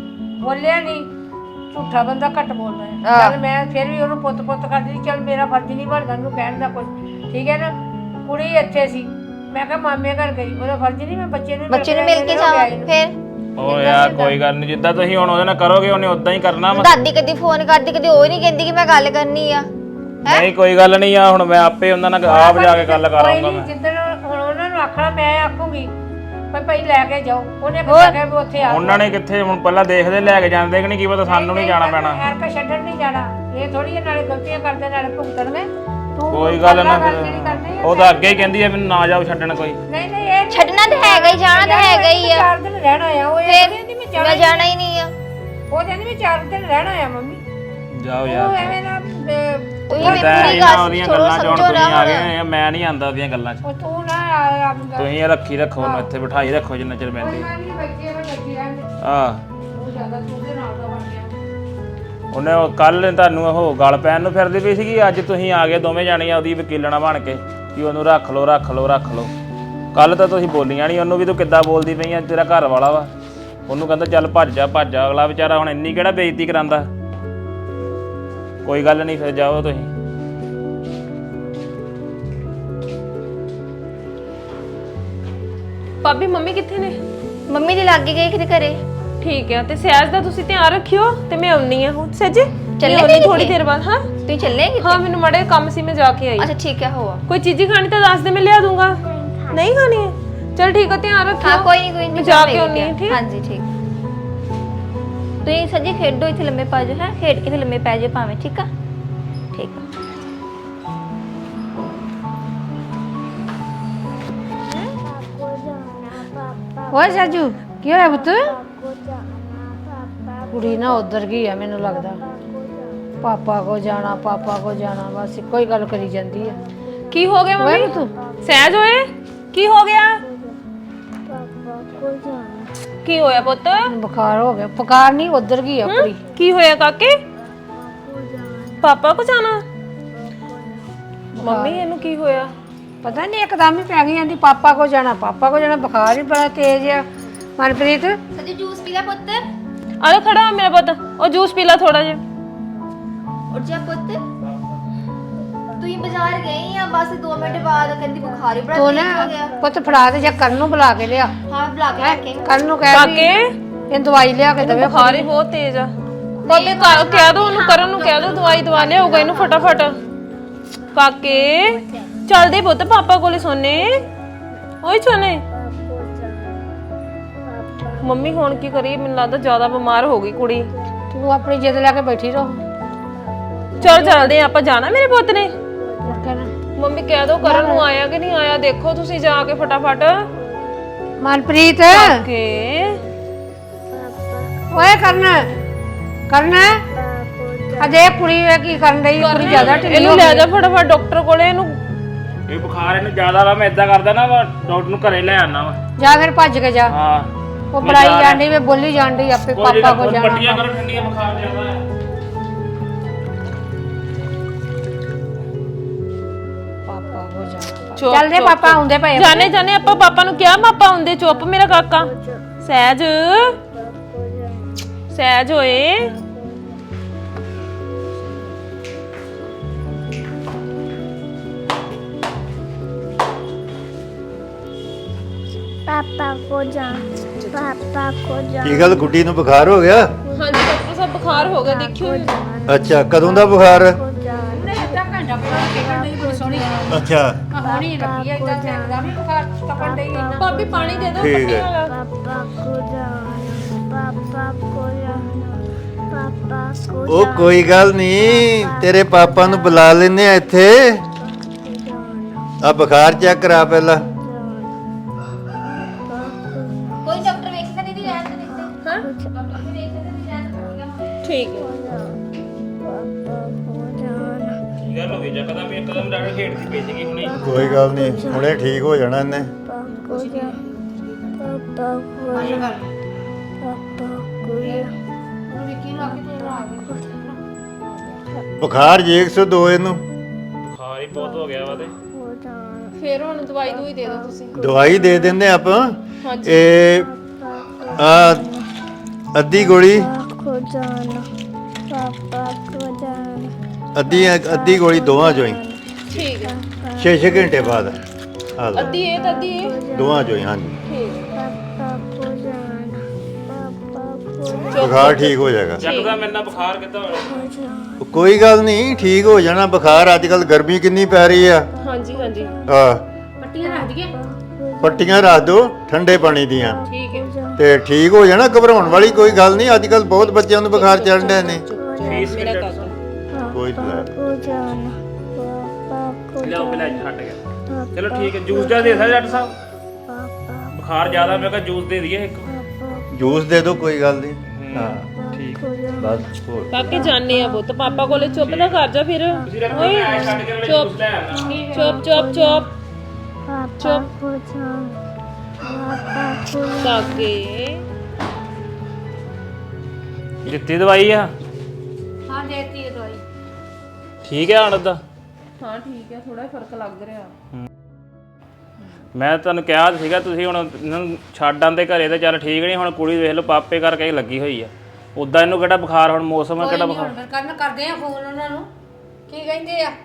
ਬੋਲਿਆ ਨਹੀਂ, ਝੂਠਾ ਬੰਦਾ ਘੱਟ ਬੋਲਦਾ ਹੈ। ਚੱਲ ਮੈਂ ਫਿਰ ਵੀ ਉਹਨੂੰ ਪੁੱਤ ਕਰਦੀ ਸੀ, ਚੱਲ ਮੇਰਾ ਫਰਜ਼ ਨਹੀਂ ਬਣਦਾ ਉਹਨੂੰ ਕਹਿਣ ਦਾ ਕੁਝ, ਠੀਕ ਹੈ ਨਾ। ਕੁੜੀ ਇੱਥੇ ਸੀ, ਮੈਂ ਕਿਹਾ ਮਾਮੇ ਘਰ ਗਈ, ਉਹਦਾ ਫਰਜ਼ ਨਹੀਂ ਮੈਂ ਬੱਚੇ ਨੂੰ
ਬੱਚੇ ਨੂੰ ਮਿਲ ਕੇ ਜਾਵਾਂ ਫਿਰ।
ਓ ਯਾਰ ਕੋਈ ਗੱਲ ਨਹੀਂ, ਜਿੱਦਾਂ ਤੁਸੀਂ ਹੁਣ ਉਹਦੇ ਨਾਲ ਕਰੋਗੇ ਉਹਨੇ ਉਦਾਂ ਹੀ ਕਰਨਾ ਵਾ।
ਦਾਦੀ ਕਦੀ ਫੋਨ ਕਰਦੀ, ਕਦੀ ਉਹ ਨਹੀਂ ਕਹਿੰਦੀ ਕਿ ਮੈਂ ਗੱਲ ਕਰਨੀ ਆ।
ਨਹੀਂ ਕੋਈ ਗੱਲ ਨਹੀਂ ਆ, ਹੁਣ ਮੈਂ ਆਪੇ ਉਹਨਾਂ ਨਾਲ ਆਪ ਜਾ ਕੇ ਗੱਲ ਕਰਾਂਗਾ ਮੈਂ।
ਜਿੱਦਣ ਹੁਣ ਉਹਨਾਂ ਨੂੰ ਆਖਣਾ ਮੈਂ ਆਖੂਗੀ ਭਾਈ ਲੈ ਕੇ ਜਾਓ, ਉਹਨੇ ਕਿਹਾ ਵੀ ਉੱਥੇ ਆ।
ਉਹਨਾਂ ਨੇ ਕਿੱਥੇ ਹੁਣ ਪਹਿਲਾਂ ਦੇਖਦੇ ਲੈ ਕੇ ਜਾਂਦੇ ਕਿ ਨਹੀਂ, ਕੀ ਪਤਾ ਸਾਨੂੰ ਨਹੀਂ ਜਾਣਾ ਪੈਣਾ।
ਐਰਕਾ ਛੱਡਣ ਨਹੀਂ ਜਾਣਾ, ਇਹ ਥੋੜੀ ਨਾਲੇ ਗਲਤੀਆਂ ਕਰਦੇ ਨਾਲੇ ਭੁਗਤਣਗੇ। ਤੂੰ
ਕੋਈ ਗੱਲ ਨਾ ਫਿਰ,
ਜਿਹੜੀ ਕਰਨੀ ਆ।
ਉਹ ਤਾਂ ਅੱਗੇ ਹੀ ਕਹਿੰਦੀ ਆ ਮੈਨੂੰ ਨਾ ਜਾਓ ਛੱਡਣ ਕੋਈ।
ਨਹੀਂ ਇਹ
ਛੱਡਣਾ ਤਾਂ ਹੈਗਾ ਹੀ, ਜਾਣਾ ਤਾਂ ਹੈਗਾ ਹੀ ਆ।
4 ਦਿਨ ਰਹਿਣਾ ਆ, ਉਹ ਇਹ ਕਹਿੰਦੀ
ਮੈਂ ਜਾਣਾ ਹੀ ਨਹੀਂ ਆ।
ਉਹ ਕਹਿੰਦੀ ਮੈਂ 4 ਦਿਨ ਰਹਿਣਾ ਆ ਮੰਮੀ।
ਜਾਓ
ਉਹ
ਯਾਰ
ਐਵੇਂ ਨਾ
ਤੁਸੀਂ
ਮੈਂ
ਮੇਰੀ
ਇਹਨਾਂ
ਗੱਲ
ਉਹਦੀਆਂ
ਥੋੜਾ
ਗੱਲਾਂ ਚ ਹੁਣ
ਸਮਝੋ ਨਾ
ਤੁਸੀਂ ਆ
ਹੁਣ।
ਗਏ, ਮੈਂ ਨਹੀਂ ਆਂਦਾ ਉਹਦੀਆਂ ਗੱਲਾਂ 'ਚ।
ਉਹ ਤੂੰ ਨਾ ਆਪ
ਤੁਸੀਂ ਇਹ ਰੱਖੋ ਉਹਨੂੰ ਇੱਥੇ ਬਿਠਾਈ ਰੱਖੋ ਜਿੰਨਾ ਚਿਰ ਬੈਠੀ।
ਨਹੀਂ ਬੱਚੇ ਬੱਚੀ ਰਹਿੰਦੇ
ਆਹ
ਉਹ ਜ਼ਿਆਦਾ ਤੂੰ ਦੇ ਨਾਲ ਦਾ ਬਣ ਗਿਆ।
ਉਹਨੇ ਕੱਲ ਤੁਹਾਨੂੰ ਉਹ ਗੱਲ ਪੈਣ ਨੂੰ ਫਿਰਦੀ ਪਈ ਸੀਗੀ, ਅੱਜ ਤੁਸੀਂ ਆ ਗਏ ਦੋਵੇਂ ਜਾਣੀਆਂ ਉਹਦੀ ਵਕੀਲਣਾ ਬਣ ਕੇ ਕਿ ਉਹਨੂੰ ਰੱਖ ਲਓ। ਕੱਲ ਤਾਂ ਤੁਸੀਂ ਬੋਲੀਆਂ ਨਹੀਂ ਉਹਨੂੰ ਵੀ, ਤੂੰ ਕਿੱਦਾਂ ਬੋਲਦੀ ਪਈ ਆ, ਤੇਰਾ ਘਰ ਵਾਲਾ ਵਾ। ਉਹਨੂੰ ਕਹਿੰਦਾ ਚੱਲ ਭੱਜ ਜਾ। ਅਗਲਾ ਵਿਚਾਰਾ ਹੁਣ ਇੰਨੀ ਕਿਹੜਾ ਬੇਇੱਜ਼ਤੀ ਕਰਾਂਦਾ। ਕੋਈ ਗੱਲ ਨਹੀਂ, ਫਿਰ ਜਾਓ ਤੁਸੀਂ।
ਭਾਬੀ ਮੰਮੀ ਕਿੱਥੇ ਨੇ?
ਮੰਮੀ ਦੀ ਲੱਗ ਗਈ ਕਿਤੇ ਘਰੇ।
ਠੀਕ ਹੈ, ਤੇ ਸਹਿਜ ਦਾ ਤੁਸੀਂ ਧਿਆਨ ਰੱਖਿਓ ਤੇ ਮੈਂ ਆਉਣੀ ਆ ਹੁਣ। ਸੱਜੇ
ਚੱਲੇ
ਥੋੜੀ ਦੇਰ ਬਾਅਦ। ਹਾਂ
ਤੁਸੀਂ ਚੱਲੇਗੀ?
ਹਾਂ ਮੈਨੂੰ ਮੜੇ ਕੰਮ ਸੀ, ਮੈਂ ਜਾ ਕੇ ਆਈ।
ਅੱਛਾ ਠੀਕ ਹੈ, ਹੋਆ।
ਕੋਈ ਚੀਜ਼ੀ ਖਾਣੀ ਤਾਂ ਦੱਸ ਦੇ, ਮੈਂ ਲਿਆ ਦੂੰਗਾ। ਨਹੀਂ ਖਾਣੀ ਹੈ? ਚਲ ਠੀਕ ਹੈ, ਧਿਆਨ ਰੱਖਿਓ।
ਹਾਂ ਕੋਈ ਨਹੀਂ
ਮੈਂ ਜਾ ਕੇ ਆਉਣੀ ਹੈ। ਠੀਕ।
ਹਾਂਜੀ ਠੀਕ। ਤੁਸੀਂ ਸੱਜੀ ਖੇਡੋ, ਇੱਥੇ ਲੰਮੇ ਪੈ ਜਾਓ। ਹੈ ਖੇਡ ਕੇ ਤੇ ਲੰਮੇ ਪੈ ਜਾਓ ਭਾਵੇਂ। ਠੀਕ ਆ ਠੀਕ ਆ।
ਓਏ ਸਾਜੂ ਕੀ ਹੋਇਆ ਪੁੱਤ? ਕੁੜੀ ਨਾ ਉਧਰ ਗਈ ਆ ਮੈਨੂੰ ਲੱਗਦਾ। ਪਾਪਾ ਕੋ ਜਾਣਾ ਬਸ ਇੱਕੋ ਹੀ ਗੱਲ ਕਰੀ ਜਾਂਦੀ ਆ।
ਕੀ ਹੋ ਗਿਆ
ਓਏ
ਮੰਮੀ?
ਪੁੱਤ
ਸਹਿਜ ਹੋਏ ਕੀ ਹੋ ਗਿਆ? ਕੀ ਹੋਇਆ ਪੁੱਤ?
ਬੁਖਾਰ ਹੋ ਗਿਆ। ਬੁਖਾਰ ਨਹੀਂ, ਉਧਰ ਗਈ ਆ ਕੁੜੀ।
ਕੀ ਹੋਇਆ ਕਾਕੇ? ਪਾਪਾ ਕੋ ਜਾਣਾ? ਮੰਮੀ ਇਹਨੂੰ ਕੀ ਹੋਇਆ?
ਪਤਾ ਨਹੀਂ ਇੱਕਦਮ ਹੀ ਪੈ ਗਈ ਜਾਂਦੀ ਪਾਪਾ ਕੋ ਜਾਣਾ। ਬੁਖਾਰ ਹੀ ਬੜਾ ਤੇਜ਼ ਆ। ਮਨਪ੍ਰੀਤ
ਸੱਜੀ ਜੂਸ ਪੀ ਲੈ ਪੁੱਤ।
ਅਰੇ ਖੜਾ ਹੋ ਮੇਰਾ ਪੁੱਤ, ਉਹ ਜੂਸ ਪੀ ਲਾ ਥੋੜਾ ਜਿਹਾ।
ਉੱਠ ਜਾ ਪੁੱਤ। ਤੁਸੀਂ ਬਾਜ਼ਾਰ ਗਏ ਆ, ਬਸ 2 ਮਿੰਟ ਬਾਅਦ ਕਹਿੰਦੀ ਬੁਖਾਰ ਹੀ ਬੜਾ
ਤੂੰ
ਤੇਜ਼
ਨਾ
ਹੋ ਗਿਆ।
ਪੁੱਤ ਫੜਾ ਦੇ ਜਾਂ ਕਰਨ ਨੂੰ ਬੁਲਾ ਕੇ ਲਿਆ।
ਹਾਂ ਬੁਲਾ ਕੇ ਰੱਖੇ।
ਕਰਨ ਨੂੰ ਕਹਿ ਵੀ
ਕਾਕੇ
ਇਹ ਦਵਾਈ ਲਿਆ ਕੇ ਦੇਵੇ।
ਬੁਖਾਰ ਹੀ ਬਹੁਤ ਤੇਜ਼ ਆ। ਭਾਬੀ ਕਹਿ ਦੋ ਉਹਨੂੰ, ਕਰਨ ਨੂੰ ਕਹਿ ਦੋ ਦਵਾਈ ਦਵਾ ਲਿਆਊਗਾ ਇਹਨੂੰ ਫਟਾਫਟ। ਕਾਕੇ ਚੱਲਦੇ ਪੁੱਤ ਪਾਪਾ ਕੋਲੇ ਸੋਨੇ। ਓਏ ਸੋਨੇ। ਮੰਮੀ ਹੁਣ ਕੀ ਕਰੀਏ? ਮੈਨੂੰ ਲੱਗਦਾ ਜ਼ਿਆਦਾ ਬਿਮਾਰ ਹੋ ਗਈ ਕੁੜੀ।
ਤੂੰ ਆਪਣੀ ਜਿੱਦ ਲੈ ਕੇ ਬੈਠੀ ਰਹੋ।
ਚਲ ਚੱਲਦੇ ਆ ਆਪਾਂ। ਜਾਣਾ ਮੇਰੇ ਪੁੱਤ ਨੇ?
ਕਹਿਣਾ
ਮੰਮੀ ਕਹਿ ਦੋ ਕਰਨ ਨੂੰ ਆਇਆ ਕਿ ਨਹੀਂ ਆਇਆ, ਦੇਖੋ ਤੁਸੀਂ ਜਾ ਕੇ ਫਟਾਫਟ।
ਮਨਪ੍ਰੀਤ
ਕੇ
ਓਏ ਕਰਨ ਅਜੇ ਕੁੜੀ ਵੇ ਕੀ ਕਰਨ ਰਹੀ? ਕੁੜੀ ਜ਼ਿਆਦਾ ਢਿੱਲੀ
ਇਹਨੂੰ ਲੈ ਜਾ ਫਟਾਫਟ ਡਾਕਟਰ ਕੋਲੇ। ਇਹਨੂੰ
ਇਹ ਬੁਖਾਰ ਇਹਨੂੰ ਜ਼ਿਆਦਾ ਵਾ, ਮੈਂ ਇਦਾਂ ਕਰਦਾ ਨਾ ਡਾਕਟਰ ਨੂੰ ਘਰੇ ਲੈ ਆਣਾ ਵਾ।
ਜਾ ਫਿਰ ਭੱਜ ਕੇ ਜਾ।
ਹਾਂ
ਉਹ ਬੜਾਈ ਜਾਂਦੀ ਵੇ ਬੋਲੀ ਜਾਂਦੀ ਆਪੇ ਪਾਪਾ ਕੋ ਜਾਣਾ।
ਪੱਟੀਆਂ ਕਰੋ ਠੰਡੀਆਂ, ਬੁਖਾਰ ਜ਼ਿਆਦਾ ਹੈ।
ਪਾਪਾ ਕੋ ਜਾਣਾ।
ਚੁੱਪ,
ਚੱਲਦੇ
ਚੁੱਪ,
ਪਾਪਾ ਆਉਂਦੇ ਪਏ ਆ।
ਜਾਣੇ ਆਪਾਂ ਪਾਪਾ ਨੂੰ ਕਿਹਾ ਪਾਪਾ ਆਉਂਦੇ। ਚੁੱਪ ਮੇਰਾ ਕਾਕਾ। ਸਹਿਜ ਹੋਏ।
पापा को जान
ਕੀ ਗੱਲ ਗੁੱਡੀ ਨੂੰ ਬੁਖਾਰ ਹੋ ਗਿਆ?
ਹਾਂਜੀ ਡਾਕਟਰ ਸਾਹਿਬ ਬੁਖਾਰ ਹੋ ਗਿਆ, ਦੇਖਿਓ।
ਅੱਛਾ ਕਦੋਂ ਦਾ ਬੁਖਾਰ?
ਅੱਧਾ ਘੰਟਾ ਪਹਿਲਾਂ ਟਿਕਣ ਨਹੀਂ ਬੜੀ ਸੋਹਣੀ
ਅੱਛਾ
ਹੋਣੀ ਲੱਗੀ ਆ ਇਦਾਂ ਚੱਲਦਾ ਵੀ ਬੁਖਾਰ ਤਪਣ ਡਈ ਇੰਨਾ।
ਭਾਬੀ ਪਾਣੀ ਦੇ ਦਿਓ
ਠੀਕ ਹੈ। ਉਹ ਕੋਈ ਗੱਲ ਨਹੀਂ, ਤੇਰੇ ਪਾਪਾ ਨੂੰ ਬੁਲਾ ਲੈਨੇ ਆ ਇੱਥੇ। ਆ ਬੁਖਾਰ ਚੈੱਕ ਕਰਾ ਪਹਿਲਾਂ।
ਕੋਈ ਡਾਕਟਰ ਵੇਖਦਾ ਦੀਦੀ ਰਹਿਣ ਦੇ ਦਿੱਤੇ। ਹਾਂ ਡਾਕਟਰ ਵੀ ਵੇਖਦਾ ਦੀਦੀ ਰਹਿਣ ਦੇ।
ਠੀਕ ਹੈ।
ਕੀ ਗੱਲ ਹੋ ਗਈ? ਜਕਦਮ ਇੱਕਦਮ ਡਾਕਟਰ ਖੇਡਦੀ ਪਈ ਸੀਗੀ ਹੁਣੇ।
ਕੋਈ ਗੱਲ ਨਹੀਂ, ਹੁਣੇ ਠੀਕ ਹੋ ਜਾਣਾ ਇਹਨੇ। ਬੁਖਾਰ ਜੀ 102 ਇਹਨੂੰ।
ਬੁਖਾਰ ਹੀ ਬਹੁਤ ਹੋ ਗਿਆ ਵਾ ਤੇ।
ਫਿਰ ਹੁਣ ਦਵਾਈ ਦੂਈ ਦੇ ਦਿਓ ਤੁਸੀਂ।
ਦਵਾਈ ਦੇ ਦਿੰਦੇ ਆਪਾਂ।
ਹਾਂਜੀ।
ਇਹ ਆ ਅੱਧੀ ਗੋਲੀ
को जाना पापा को जाना
ਅੱਧੀ ਗੋਲੀ ਦੋਵਾਂ ਚੋਂ ਹੀ
ਠੀਕ ਹੈ
6 ਘੰਟੇ ਬਾਅਦ ਆ ਲਓ
ਅੱਧੀ ਇਹ ਤਾਂ ਅੱਧੀ ਇਹ
ਦੋਵਾਂ ਚੋਂ ਹੀ ਹਾਂਜੀ
ਠੀਕ ਹੈ
पापा को जाना पापा को
ਬੁਖਾਰ ਠੀਕ ਹੋ ਜਾਏਗਾ
ਚੱਕਦਾ ਮੇਰੇ ਨਾਲ ਬੁਖਾਰ ਕਿੱਦਾਂ ਹੋਣਾ
जाना
ਕੋਈ ਗੱਲ ਨਹੀਂ ਠੀਕ ਹੋ ਜਾਣਾ ਬੁਖਾਰ ਅੱਜ ਕੱਲ ਗਰਮੀ ਕਿੰਨੀ ਪੈ ਰਹੀ ਆ
ਹਾਂਜੀ ਹਾਂਜੀ
ਆ ਪੱਟੀਆਂ ਰੱਖ ਦਿਓ ਠੰਡੇ ਪਾਣੀ ਦੀਆਂ
ਠੀਕ ਹੈ
ਤੇ ਠੀਕ ਹੋ ਜਾਣਾ ਘਬਰਾਉਣ ਵਾਲੀ ਕੋਈ ਗੱਲ ਨਹੀਂ ਅੱਜ ਕੱਲ ਬਹੁਤ ਬੱਚਿਆਂ ਨੂੰ ਬੁਖਾਰ ਚੜ੍ਹਨ ਡਏ ਨੇ
ਫੀਸ
ਮੇਰਾ
ਕਿੰਨਾ
ਕਾਕਾ
ਕੋਈ ਤਾਂ
को जाना पापा को
ਲਿਆਓ ਪਹਿਲਾਂ ਇੱਥੇ ਹਟ ਗਿਆ ਚਲੋ ਠੀਕ ਹੈ ਜੂਸ ਦਾ ਦੇ ਸਕਦਾ ਡਾਕਟਰ ਸਾਹਿਬ
पापा
ਬੁਖਾਰ ਜ਼ਿਆਦਾ ਮੈਂ ਕਿਹਾ ਜੂਸ ਦੇ ਦਈਏ ਇੱਕ
ਜੂਸ ਦੇ ਦਿਓ ਕੋਈ ਗੱਲ ਨਹੀਂ ਹਾਂ
ਠੀਕ
ਬਸ ਹੋਰ
ਕਾਕੇ ਜਾਣੇ ਆ ਪੁੱਤ ਪਾਪਾ ਕੋਲੇ ਚੁੱਪ ਨਾ ਕਰ ਜਾ ਫਿਰ
ਤੁਸੀਂ ਰੱਖੋ ਮੈਂ ਛੱਡ ਕੇ ਜੂਸ ਲੈ ਆਉਣਾ
ਚੁੱਪ ਚੁੱਪ ਚੁੱਪ
पापा को जाना पापा को
ਕਾਕੇ
ਦਿੱਤੀ ਦਵਾਈ ਆ
ਹਾਂ ਦੇਤੀ ਇਹ ਦਵਾਈ
ਠੀਕ ਹੈ ਹੁਣ ਉਹਦਾ
ਹਾਂ ਠੀਕ ਹੈ ਥੋੜਾ ਫਰਕ ਲੱਗ ਰਿਹਾ
ਮੈਂ ਤੁਹਾਨੂੰ ਕਿਹਾ ਤਾਂ ਸੀਗਾ ਤੁਸੀਂ ਹੁਣ ਇਹਨਾਂ ਨੂੰ ਛੱਡ ਆਂਦੇ ਘਰੇ ਤੇ ਚੱਲ ਠੀਕ ਨਹੀਂ ਹੁਣ ਕੁੜੀ ਵੇਖ ਲਓ ਪਾਪੇ ਕਰਕੇ ਹੀ ਲੱਗੀ ਹੋਈ ਆ ਉਦਾਂ ਇਹਨੂੰ ਕਿਹੜਾ ਬੁਖਾਰ ਹੁਣ ਮੌਸਮ ਹੈ ਕਿਹੜਾ ਬੁਖਾਰ
ਕਰਦੇ ਆ ਫੋਨ ਉਹਨਾਂ ਨੂੰ ਕੀ ਕਹਿੰਦੇ ਆ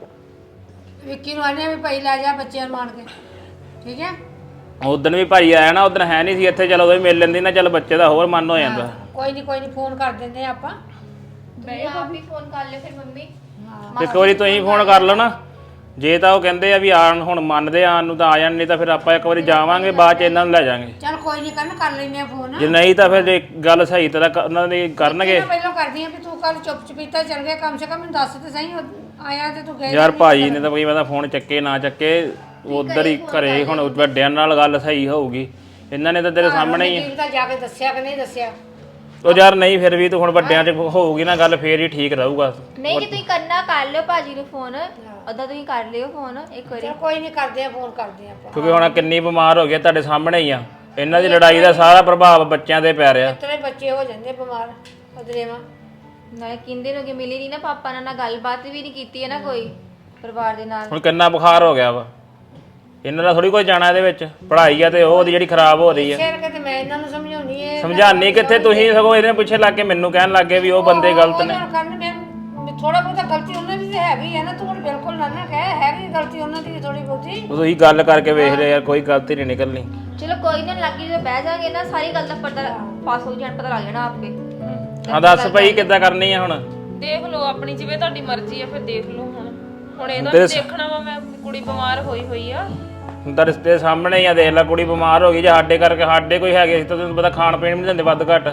ਵਿੱਕੀ ਨੂੰ ਆਨੇ ਵੀ ਭਾਈ ਲੈ ਜਾ ਬੱਚਿਆਂ ਨੂੰ ਮਾਰ ਕੇ ਠੀਕ ਹੈ
ਉਦੋਂ ਵੀ ਭਾਈ ਆਇਆ ਨਾ ਉਦੋਂ ਹੈ ਨਹੀਂ ਸੀ ਇੱਥੇ ਚਲ ਉਦੋਂ ਵੀ ਮਿਲ ਲੈਂਦੀ ਨਾ ਚੱਲ ਬੱਚੇ ਦਾ ਹੋਰ ਮਨ ਹੋ ਜਾਂਦਾ
ਕੋਈ ਨਹੀਂ ਫੋਨ ਕਰ ਦਿੰਦੇ ਆ ਆਪਾਂ
ਤੁਸੀਂ ਆਪ ਹੀ ਫੋਨ ਕਰ ਲਿਓ ਫਿਰ ਮੰਮੀ
ਤੇ ਇੱਕ ਵਾਰੀ ਤੁਸੀਂ ਫੋਨ ਕਰ ਲਓ ਨਾ ਜੇ ਤਾਂ ਉਹ ਕਹਿੰਦੇ ਆ ਵੀ ਆਣ ਹੁਣ ਮੰਨਦੇ ਆਣ ਨੂੰ ਤਾਂ ਆ ਜਾਣ ਨਹੀਂ ਤਾਂ ਫਿਰ ਆਪਾਂ ਇੱਕ ਵਾਰੀ ਜਾਵਾਂਗੇ ਬਾਅਦ ਚ ਇਹਨਾਂ ਨੂੰ ਲੈ ਜਾਾਂਗੇ
ਚਲ ਕੋਈ ਨਹੀਂ ਕਰ ਲੈਂਦੇ ਆ ਫੋਨ
ਜੇ ਨਹੀਂ ਤਾਂ ਫਿਰ ਜੇ ਗੱਲ ਸਹੀ ਤਰ੍ਹਾਂ ਉਹਨਾਂ ਦੀ ਕਰਨਗੇ
ਮੈਂ ਪਹਿਲਾਂ ਕਰਦੀ ਆ ਵੀ ਤੂੰ ਕੱਲ ਚੁੱਪ ਚਪੀਤਾ ਚੱਲ ਗਿਆ ਕਮ ਸੇ ਕਮ ਮੈਨੂੰ ਦੱਸ ਤੇ ਸਹੀ ਆਇਆ ਤੇ ਤੂੰ ਗਏ
ਯਾਰ ਭਾਜੀ ਨੇ ਤਾਂ ਕੋਈ ਪਤਾ ਫੋਨ ਚੱਕੇ ਨਾ ਚੱਕੇ ਉਧਰ ਹੀ ਘਰੇ ਹੁਣ ਵੱਡਿਆਂ ਨਾਲ ਗੱਲ ਸਹੀ ਹੋਊਗੀ ਇਹਨਾਂ ਨੇ ਤਾਂ ਤੇਰੇ ਸਾਹਮਣੇ ਹੀ ਆ
ਤਾਂ ਜਾ ਕੇ ਦੱਸਿਆ ਕਿ ਨਹੀਂ ਦੱਸਿਆ
ਉਹ ਯਾਰ ਨਹੀਂ ਫਿਰ ਵੀ ਤੂੰ ਹੁਣ ਵੱਡਿਆਂ 'ਚ ਹੋਊਗੀ ਨਾ ਗੱਲ ਫੇਰ ਹੀ ਠੀਕ ਰਹੂਗਾ
ਨਹੀਂ ਜੇ ਤੁਸੀਂ ਕਰਨਾ ਕਰ ਲਿਓ ਭਾਜੀ ਨੂੰ ਫੋਨ ਉਦਾਂ ਤੁਸੀਂ ਕਰ ਲਿਓ ਫੋਨ ਇੱਕ ਵਾਰੀ
ਚਲ ਕੋਈ ਨਹੀਂ ਕਰਦੇ ਆ ਫੋਨ ਕਰਦੇ ਆ ਆਪਾਂ
ਕਿਉਂਕਿ ਹੁਣ ਕਿੰਨੀ ਬਿਮਾਰ ਹੋ ਗਏ ਤੁਹਾਡੇ ਸਾਹਮਣੇ ਹੀ ਆ ਇਹਨਾਂ ਦੀ ਲੜਾਈ ਦਾ ਸਾਰਾ ਪ੍ਰਭਾਵ ਬੱਚਿਆਂ ਤੇ ਪੈ ਰਿਹਾ
ਤੇਰੇ ਬੱਚੇ ਹੋ ਜਾਂਦੇ ਬਿਮਾਰ ਅਦਰੇਵਾ
ਨਾ ਕਿੰਦੇ ਨੂੰ ਕਿ ਮਿਲੀ ਨਹੀਂ ਨਾ ਪਾਪਾ ਨਾਲ ਗੱਲਬਾਤ ਵੀ ਨਹੀਂ ਕੀਤੀ ਹੈ ਨਾ ਕੋਈ ਪਰਿਵਾਰ ਦੇ ਨਾਲ
ਹੁਣ ਕਿੰਨਾ ਬੁਖਾਰ ਹੋ ਗਿਆ ਵਾ ਇਹਨਾਂ ਦਾ ਥੋੜੀ ਕੋਈ ਜਾਣਾ ਇਹਦੇ ਵਿੱਚ ਪੜ੍ਹਾਈ ਆ ਤੇ ਉਹਦੀ ਜਿਹੜੀ ਖਰਾਬ ਹੋ ਰਹੀ ਆ
ਸ਼ੇਰ ਕੇ ਤੇ ਮੈਂ ਇਹਨਾਂ ਨੂੰ ਸਮਝਾਉਣੀ ਏ
ਸਮਝਾਣੀ ਕਿੱਥੇ ਤੁਸੀਂ ਸਗੋਂ ਇਹਦੇ ਪਿੱਛੇ ਲੱਗ ਕੇ ਮੈਨੂੰ ਕਹਿਣ ਲੱਗੇ ਵੀ ਉਹ ਬੰਦੇ ਗਲਤ ਨੇ
ਕਰਨ ਮੈਂ ਥੋੜਾ ਬਹੁਤਾ ਗਲਤੀ ਉਹਨਾਂ ਦੀ ਤੇ ਹੈਗੀ ਹੈ ਨਾ ਤੂੰ ਹੁਣ ਬਿਲਕੁਲ ਨਾ ਕਹਿ ਹੈਗੀ ਗਲਤੀ ਉਹਨਾਂ ਦੀ ਥੋੜੀ ਬਹੁਤੀ
ਉਹ ਤੁਸੀਂ ਗੱਲ ਕਰਕੇ ਵੇਖ ਲਿਆ ਯਾਰ ਕੋਈ ਗਲਤੀ ਨਹੀਂ ਨਿਕਲਣੀ
ਚਲੋ ਕੋਈ ਨਾ ਲੱਗੀ ਜਦੋਂ ਬਹਿ ਜਾਗੇ ਨਾ ਸਾਰੀ ਗੱਲ ਦਾ ਪਤਾ ਪਾਸ ਹੋ ਜਾਣ ਪਤਾ ਲੱਗ ਜਾਣਾ ਆਪੇ
ਹਾਂ ਦੱਸ ਭਾਈ ਕਿੱਦਾਂ ਕਰਨੀ ਆ ਹੁਣ
ਦੇਖ ਲਓ ਆਪਣੀ ਜਿਵੇਂ ਤੁਹਾਡੀ ਮਰਜ਼ੀ ਆ ਫਿਰ ਦੇਖ ਲਓ ਹੁਣ ਇਹਦਾ ਵੀ ਦੇਖਣਾ ਵਾ ਮੈਂ ਕੁੜੀ ਬਿਮਾਰ ਹੋਈ ਆ
ਹੁਣ ਤਾਂ ਰਿਸ਼ਤੇ ਸਾਹਮਣੇ ਹੀ ਆ ਦੇਖ ਲੈ ਕੁੜੀ ਬਿਮਾਰ ਹੋ ਗਈ ਜੇ ਸਾਡੇ ਕਰਕੇ ਸਾਡੇ ਕੋਈ ਹੈਗੇ ਸੀ ਤਾਂ ਤੁਹਾਨੂੰ ਪਤਾ ਖਾਣ ਪੀਣ ਵੀ ਨਹੀਂ ਦਿੰਦੇ ਵੱਧ ਘੱਟ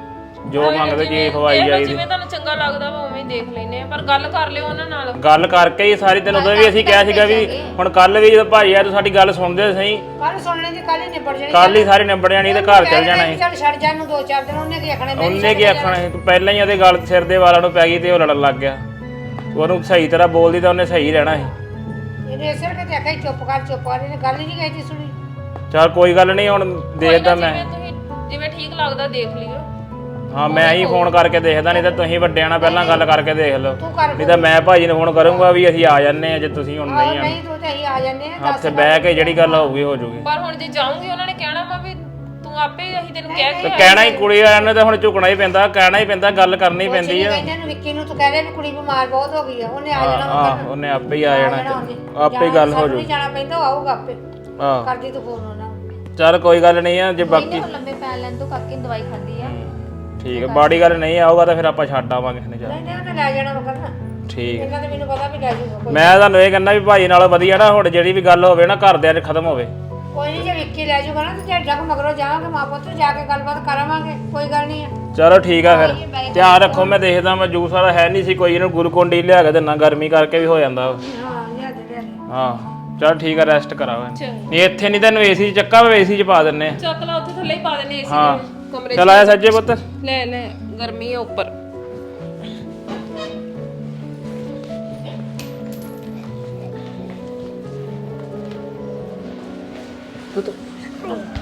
ਜੋ ਮੰਗਦੇ ਜੀ ਖਵਾਈ ਜਾਈਦੀ
ਜਿਵੇਂ ਤੁਹਾਨੂੰ ਚੰਗਾ ਲੱਗਦਾ ਵਾ ਉਵੇਂ ਹੀ ਦੇਖ ਲੈਨੇ ਆ ਪਰ ਗੱਲ ਕਰ ਲਿਓ ਉਹਨਾਂ ਨਾਲ
ਗੱਲ ਕਰਕੇ ਹੀ ਸਾਰੀ ਦਿਨ ਉਦੋਂ ਵੀ ਅਸੀਂ ਕਿਹਾ ਸੀਗਾ ਵੀ ਹੁਣ ਕੱਲ ਵੀ ਜਦੋਂ ਭਾਈ ਆ ਤੂੰ ਸਾਡੀ ਗੱਲ ਸੁਣਦੇ ਸਹੀ
ਕੱਲ ਸੁਣਨੇ ਦੀ ਕੱਲ ਹੀ ਨਿਬੜ ਜਾਣੀ
ਕੱਲ ਹੀ ਸਾਰੀ ਨਿਬੜ ਜਾਣੀ ਤੇ ਘਰ ਚੱਲ ਜਾਣਾ ਸੀ
ਚੱਲ ਛੱਡ ਜਾ ਨੂੰ 2-4 ਦਿਨ ਉਹਨੇ ਕੀ ਆਖਣਾ
ਉਹਨੇ ਕੀ ਆਖਣਾ ਸੀ ਤੂੰ ਪਹਿਲਾਂ ਹੀ ਉਹਦੇ ਗੱਲ ਸਿਰ ਦੇ ਵਾਲਾਂ ਨੂੰ ਪੈ ਗਈ ਤੇ ਉਹ ਲੜਨ ਲੱਗ ਗਿਆ ਉਹਨੂੰ ਸਹੀ ਤਰ੍ਹਾਂ ਬੋਲਦੀ ਤਾਂ ਉਹਨੇ ਸਹੀ ਰਹਿਣਾ ਸੀ
ਇਹਨੇ ਸਿਰ ਕੇ ਤੇ ਆਖਿਆ ਚੁੱਪ ਕਰ ਇਹਨੇ ਗੱਲ ਹੀ ਨਹੀਂ ਕਹੀ ਸੁਣੀ
ਚਲ ਕੋਈ ਗੱਲ ਨਹੀਂ ਹੁਣ ਦੇਖਦਾ ਮੈਂ
ਜਿਵੇਂ ਠੀਕ ਲੱਗਦਾ ਦੇਖ ਲਿਓ
ਹਾਂ ਮੈਂ ਹੀ ਫੋਨ ਕਰਕੇ ਦੇਖਦਾ ਨਹੀਂ ਤਾਂ ਤੁਸੀਂ ਵੱਡਿਆਂ ਨਾਲ ਪਹਿਲਾਂ ਗੱਲ ਕਰਕੇ ਦੇਖ ਲਓ
ਤੂੰ ਕਰ
ਨਹੀਂ ਤਾਂ ਮੈਂ ਭਾਜੀ ਨੂੰ ਫੋਨ ਕਰੂੰਗਾ ਵੀ ਅਸੀਂ ਆ ਜੰਨੇ ਆ ਜੇ ਤੁਸੀਂ ਹੁਣ ਨਹੀਂ ਆਣਾ
ਨਹੀਂ ਤੂੰ ਤੇ ਅਸੀਂ ਆ ਜੰਨੇ ਆ
ਉੱਥੇ ਬਹਿ ਕੇ ਜਿਹੜੀ ਗੱਲ ਹੋਊਗੀ ਹੋ ਜੂਗੀ
ਪਰ ਹੁਣ ਜੇ ਜਾਉਂਗੀ ਉਹਨਾਂ ਨੇ ਕਹਿਣਾ ਵਾ ਵੀ ਤੂੰ ਆਪੇ ਅਸੀਂ ਤੈਨੂੰ ਕਹਿ
ਤੇ
ਕੇ
ਕਹਿਣਾ ਹੀ ਕੁੜੀ ਵਾਲਿਆਂ ਨੇ ਤਾਂ ਹੁਣ ਝੁਕਣਾ ਹੀ ਪੈਂਦਾ ਕਹਿਣਾ ਹੀ ਪੈਂਦਾ ਗੱਲ ਕਰਨੀ ਪੈਂਦੀ ਆ
ਕਹਿੰਦੇ ਨੂੰ ਵਿੱਕੀ ਨੂੰ ਤੂੰ ਕਹਿ ਰਿਹਾ ਵੀ ਕੁੜੀ ਬਿਮਾਰ ਬਹੁਤ ਹੋ ਗਈ ਆ ਉਹਨੇ ਆ ਜਾਣਾ
ਆਹ ਉਹਨੇ ਆਪੇ ਹੀ ਆ ਜਾਣਾ ਆਪੇ ਹੀ ਗੱਲ ਹੋ ਜੂ
ਨਹੀਂ ਜਾਣਾ ਪੈਂਦਾ ਉਹ ਆਊਗਾ ਆਪੇ
ਆਹ
ਕਰਦੀ ਤੂੰ ਫੋਨ ਉਹਨਾਂ ਨੂੰ
ਚੱਲ ਕੋਈ ਗੱਲ ਨਹੀਂ ਆ ਜੇ ਬਾਕੀ
ਇਹਨੇ ਹੁਣ ਲੰਬੇ ਪੈ ਲੈਣ ਤੋਂ ਕਾਕੇ ਨੇ ਦਵਾਈ ਖਾਂਦੀ ਆ
ਠੀਕ ਹੈ ਬਾੜੀ ਗੱਲ ਨਹੀਂ ਆਊਗਾ ਤਾਂ ਫਿਰ ਆਪਾਂ ਛੱਡ ਆਵਾਂਗੇ ਕਿਸੇ ਨੇ ਜਾ
ਨਹੀਂ ਉਹਨੇ ਲੈ ਜਾਣਾ ਉਹ ਕਰਨਾ
ਠੀਕ
ਇਹਨਾਂ ਤੇ ਮੈਨੂੰ ਪਤਾ ਵੀ ਲੈ ਜਾਊਗਾ
ਮੈਂ ਤੁਹਾਨੂੰ ਇਹ ਕਹਿੰਦਾ ਵੀ ਭਾਈ ਨਾਲ ਵਧੀਆ ਨਾ ਹੁਣ ਜਿਹੜੀ ਵੀ ਗੱਲ ਹੋਵੇ ਨਾ ਘਰਦਿਆਂ 'ਚ ਖਤਮ ਹੋਵੇ
ਕੋਈ ਨਹੀਂ ਜੇ ਵਿੱਕੀ ਲੈ ਜਾਊਗਾ ਨਾ ਤੇ ਜੇ ਜੱਗ ਮਗਰੋਂ ਜਾਵਾਂਗੇ ਮਾਂ ਪੁੱਤ ਜਾ ਕੇ ਗੱਲਬਾਤ ਕਰਾਵਾਂਗੇ ਕੋਈ ਗੱਲ ਨਹੀਂ ਆ
ਚਲੋ ਠੀਕ ਆ ਫਿਰ ਧਿਆਨ ਰੱਖੋ ਮੈਂ ਦੇਖਦਾ ਮੈਂ ਜੂਸ ਵਾਲਾ ਹੈ ਨਹੀਂ ਸੀ ਕੋਈ ਇਹਨੂੰ ਗਲੂਕੋਨ ਡੀ ਲਿਆ ਕੇ ਦੇਣਾ ਗਰਮੀ ਕਰਕੇ ਵੀ ਹੋ ਜਾਂਦਾ
ਹਾਂ ਲਿਆ ਦੇ
ਹਾਂ ਚਲ ਠੀਕ ਆ ਰੈਸਟ ਕਰਾਓ ਨਹੀਂ ਇੱਥੇ ਨਹੀਂ ਤੈਨੂੰ ਏਸੀ 'ਚ ਚੱਕਾ ਵਾ ਏਸੀ 'ਚ ਪਾ ਦਿੰਨੇ ਆ
ਚੱਕ ਲਾ ਉੱਥੇ ਥੱਲੇ ਹੀ ਪਾ ਦੇਣੇ ਏਸੀ
ਹਾਂ
ਦੇ ਕਮਰੇ
ਚਲ ਆਇਆ ਸੱਜੇ ਪੁੱਤ
ਲੈ ਗਰਮੀ ਆ ਉੱਪਰ
ਪੁੱਤ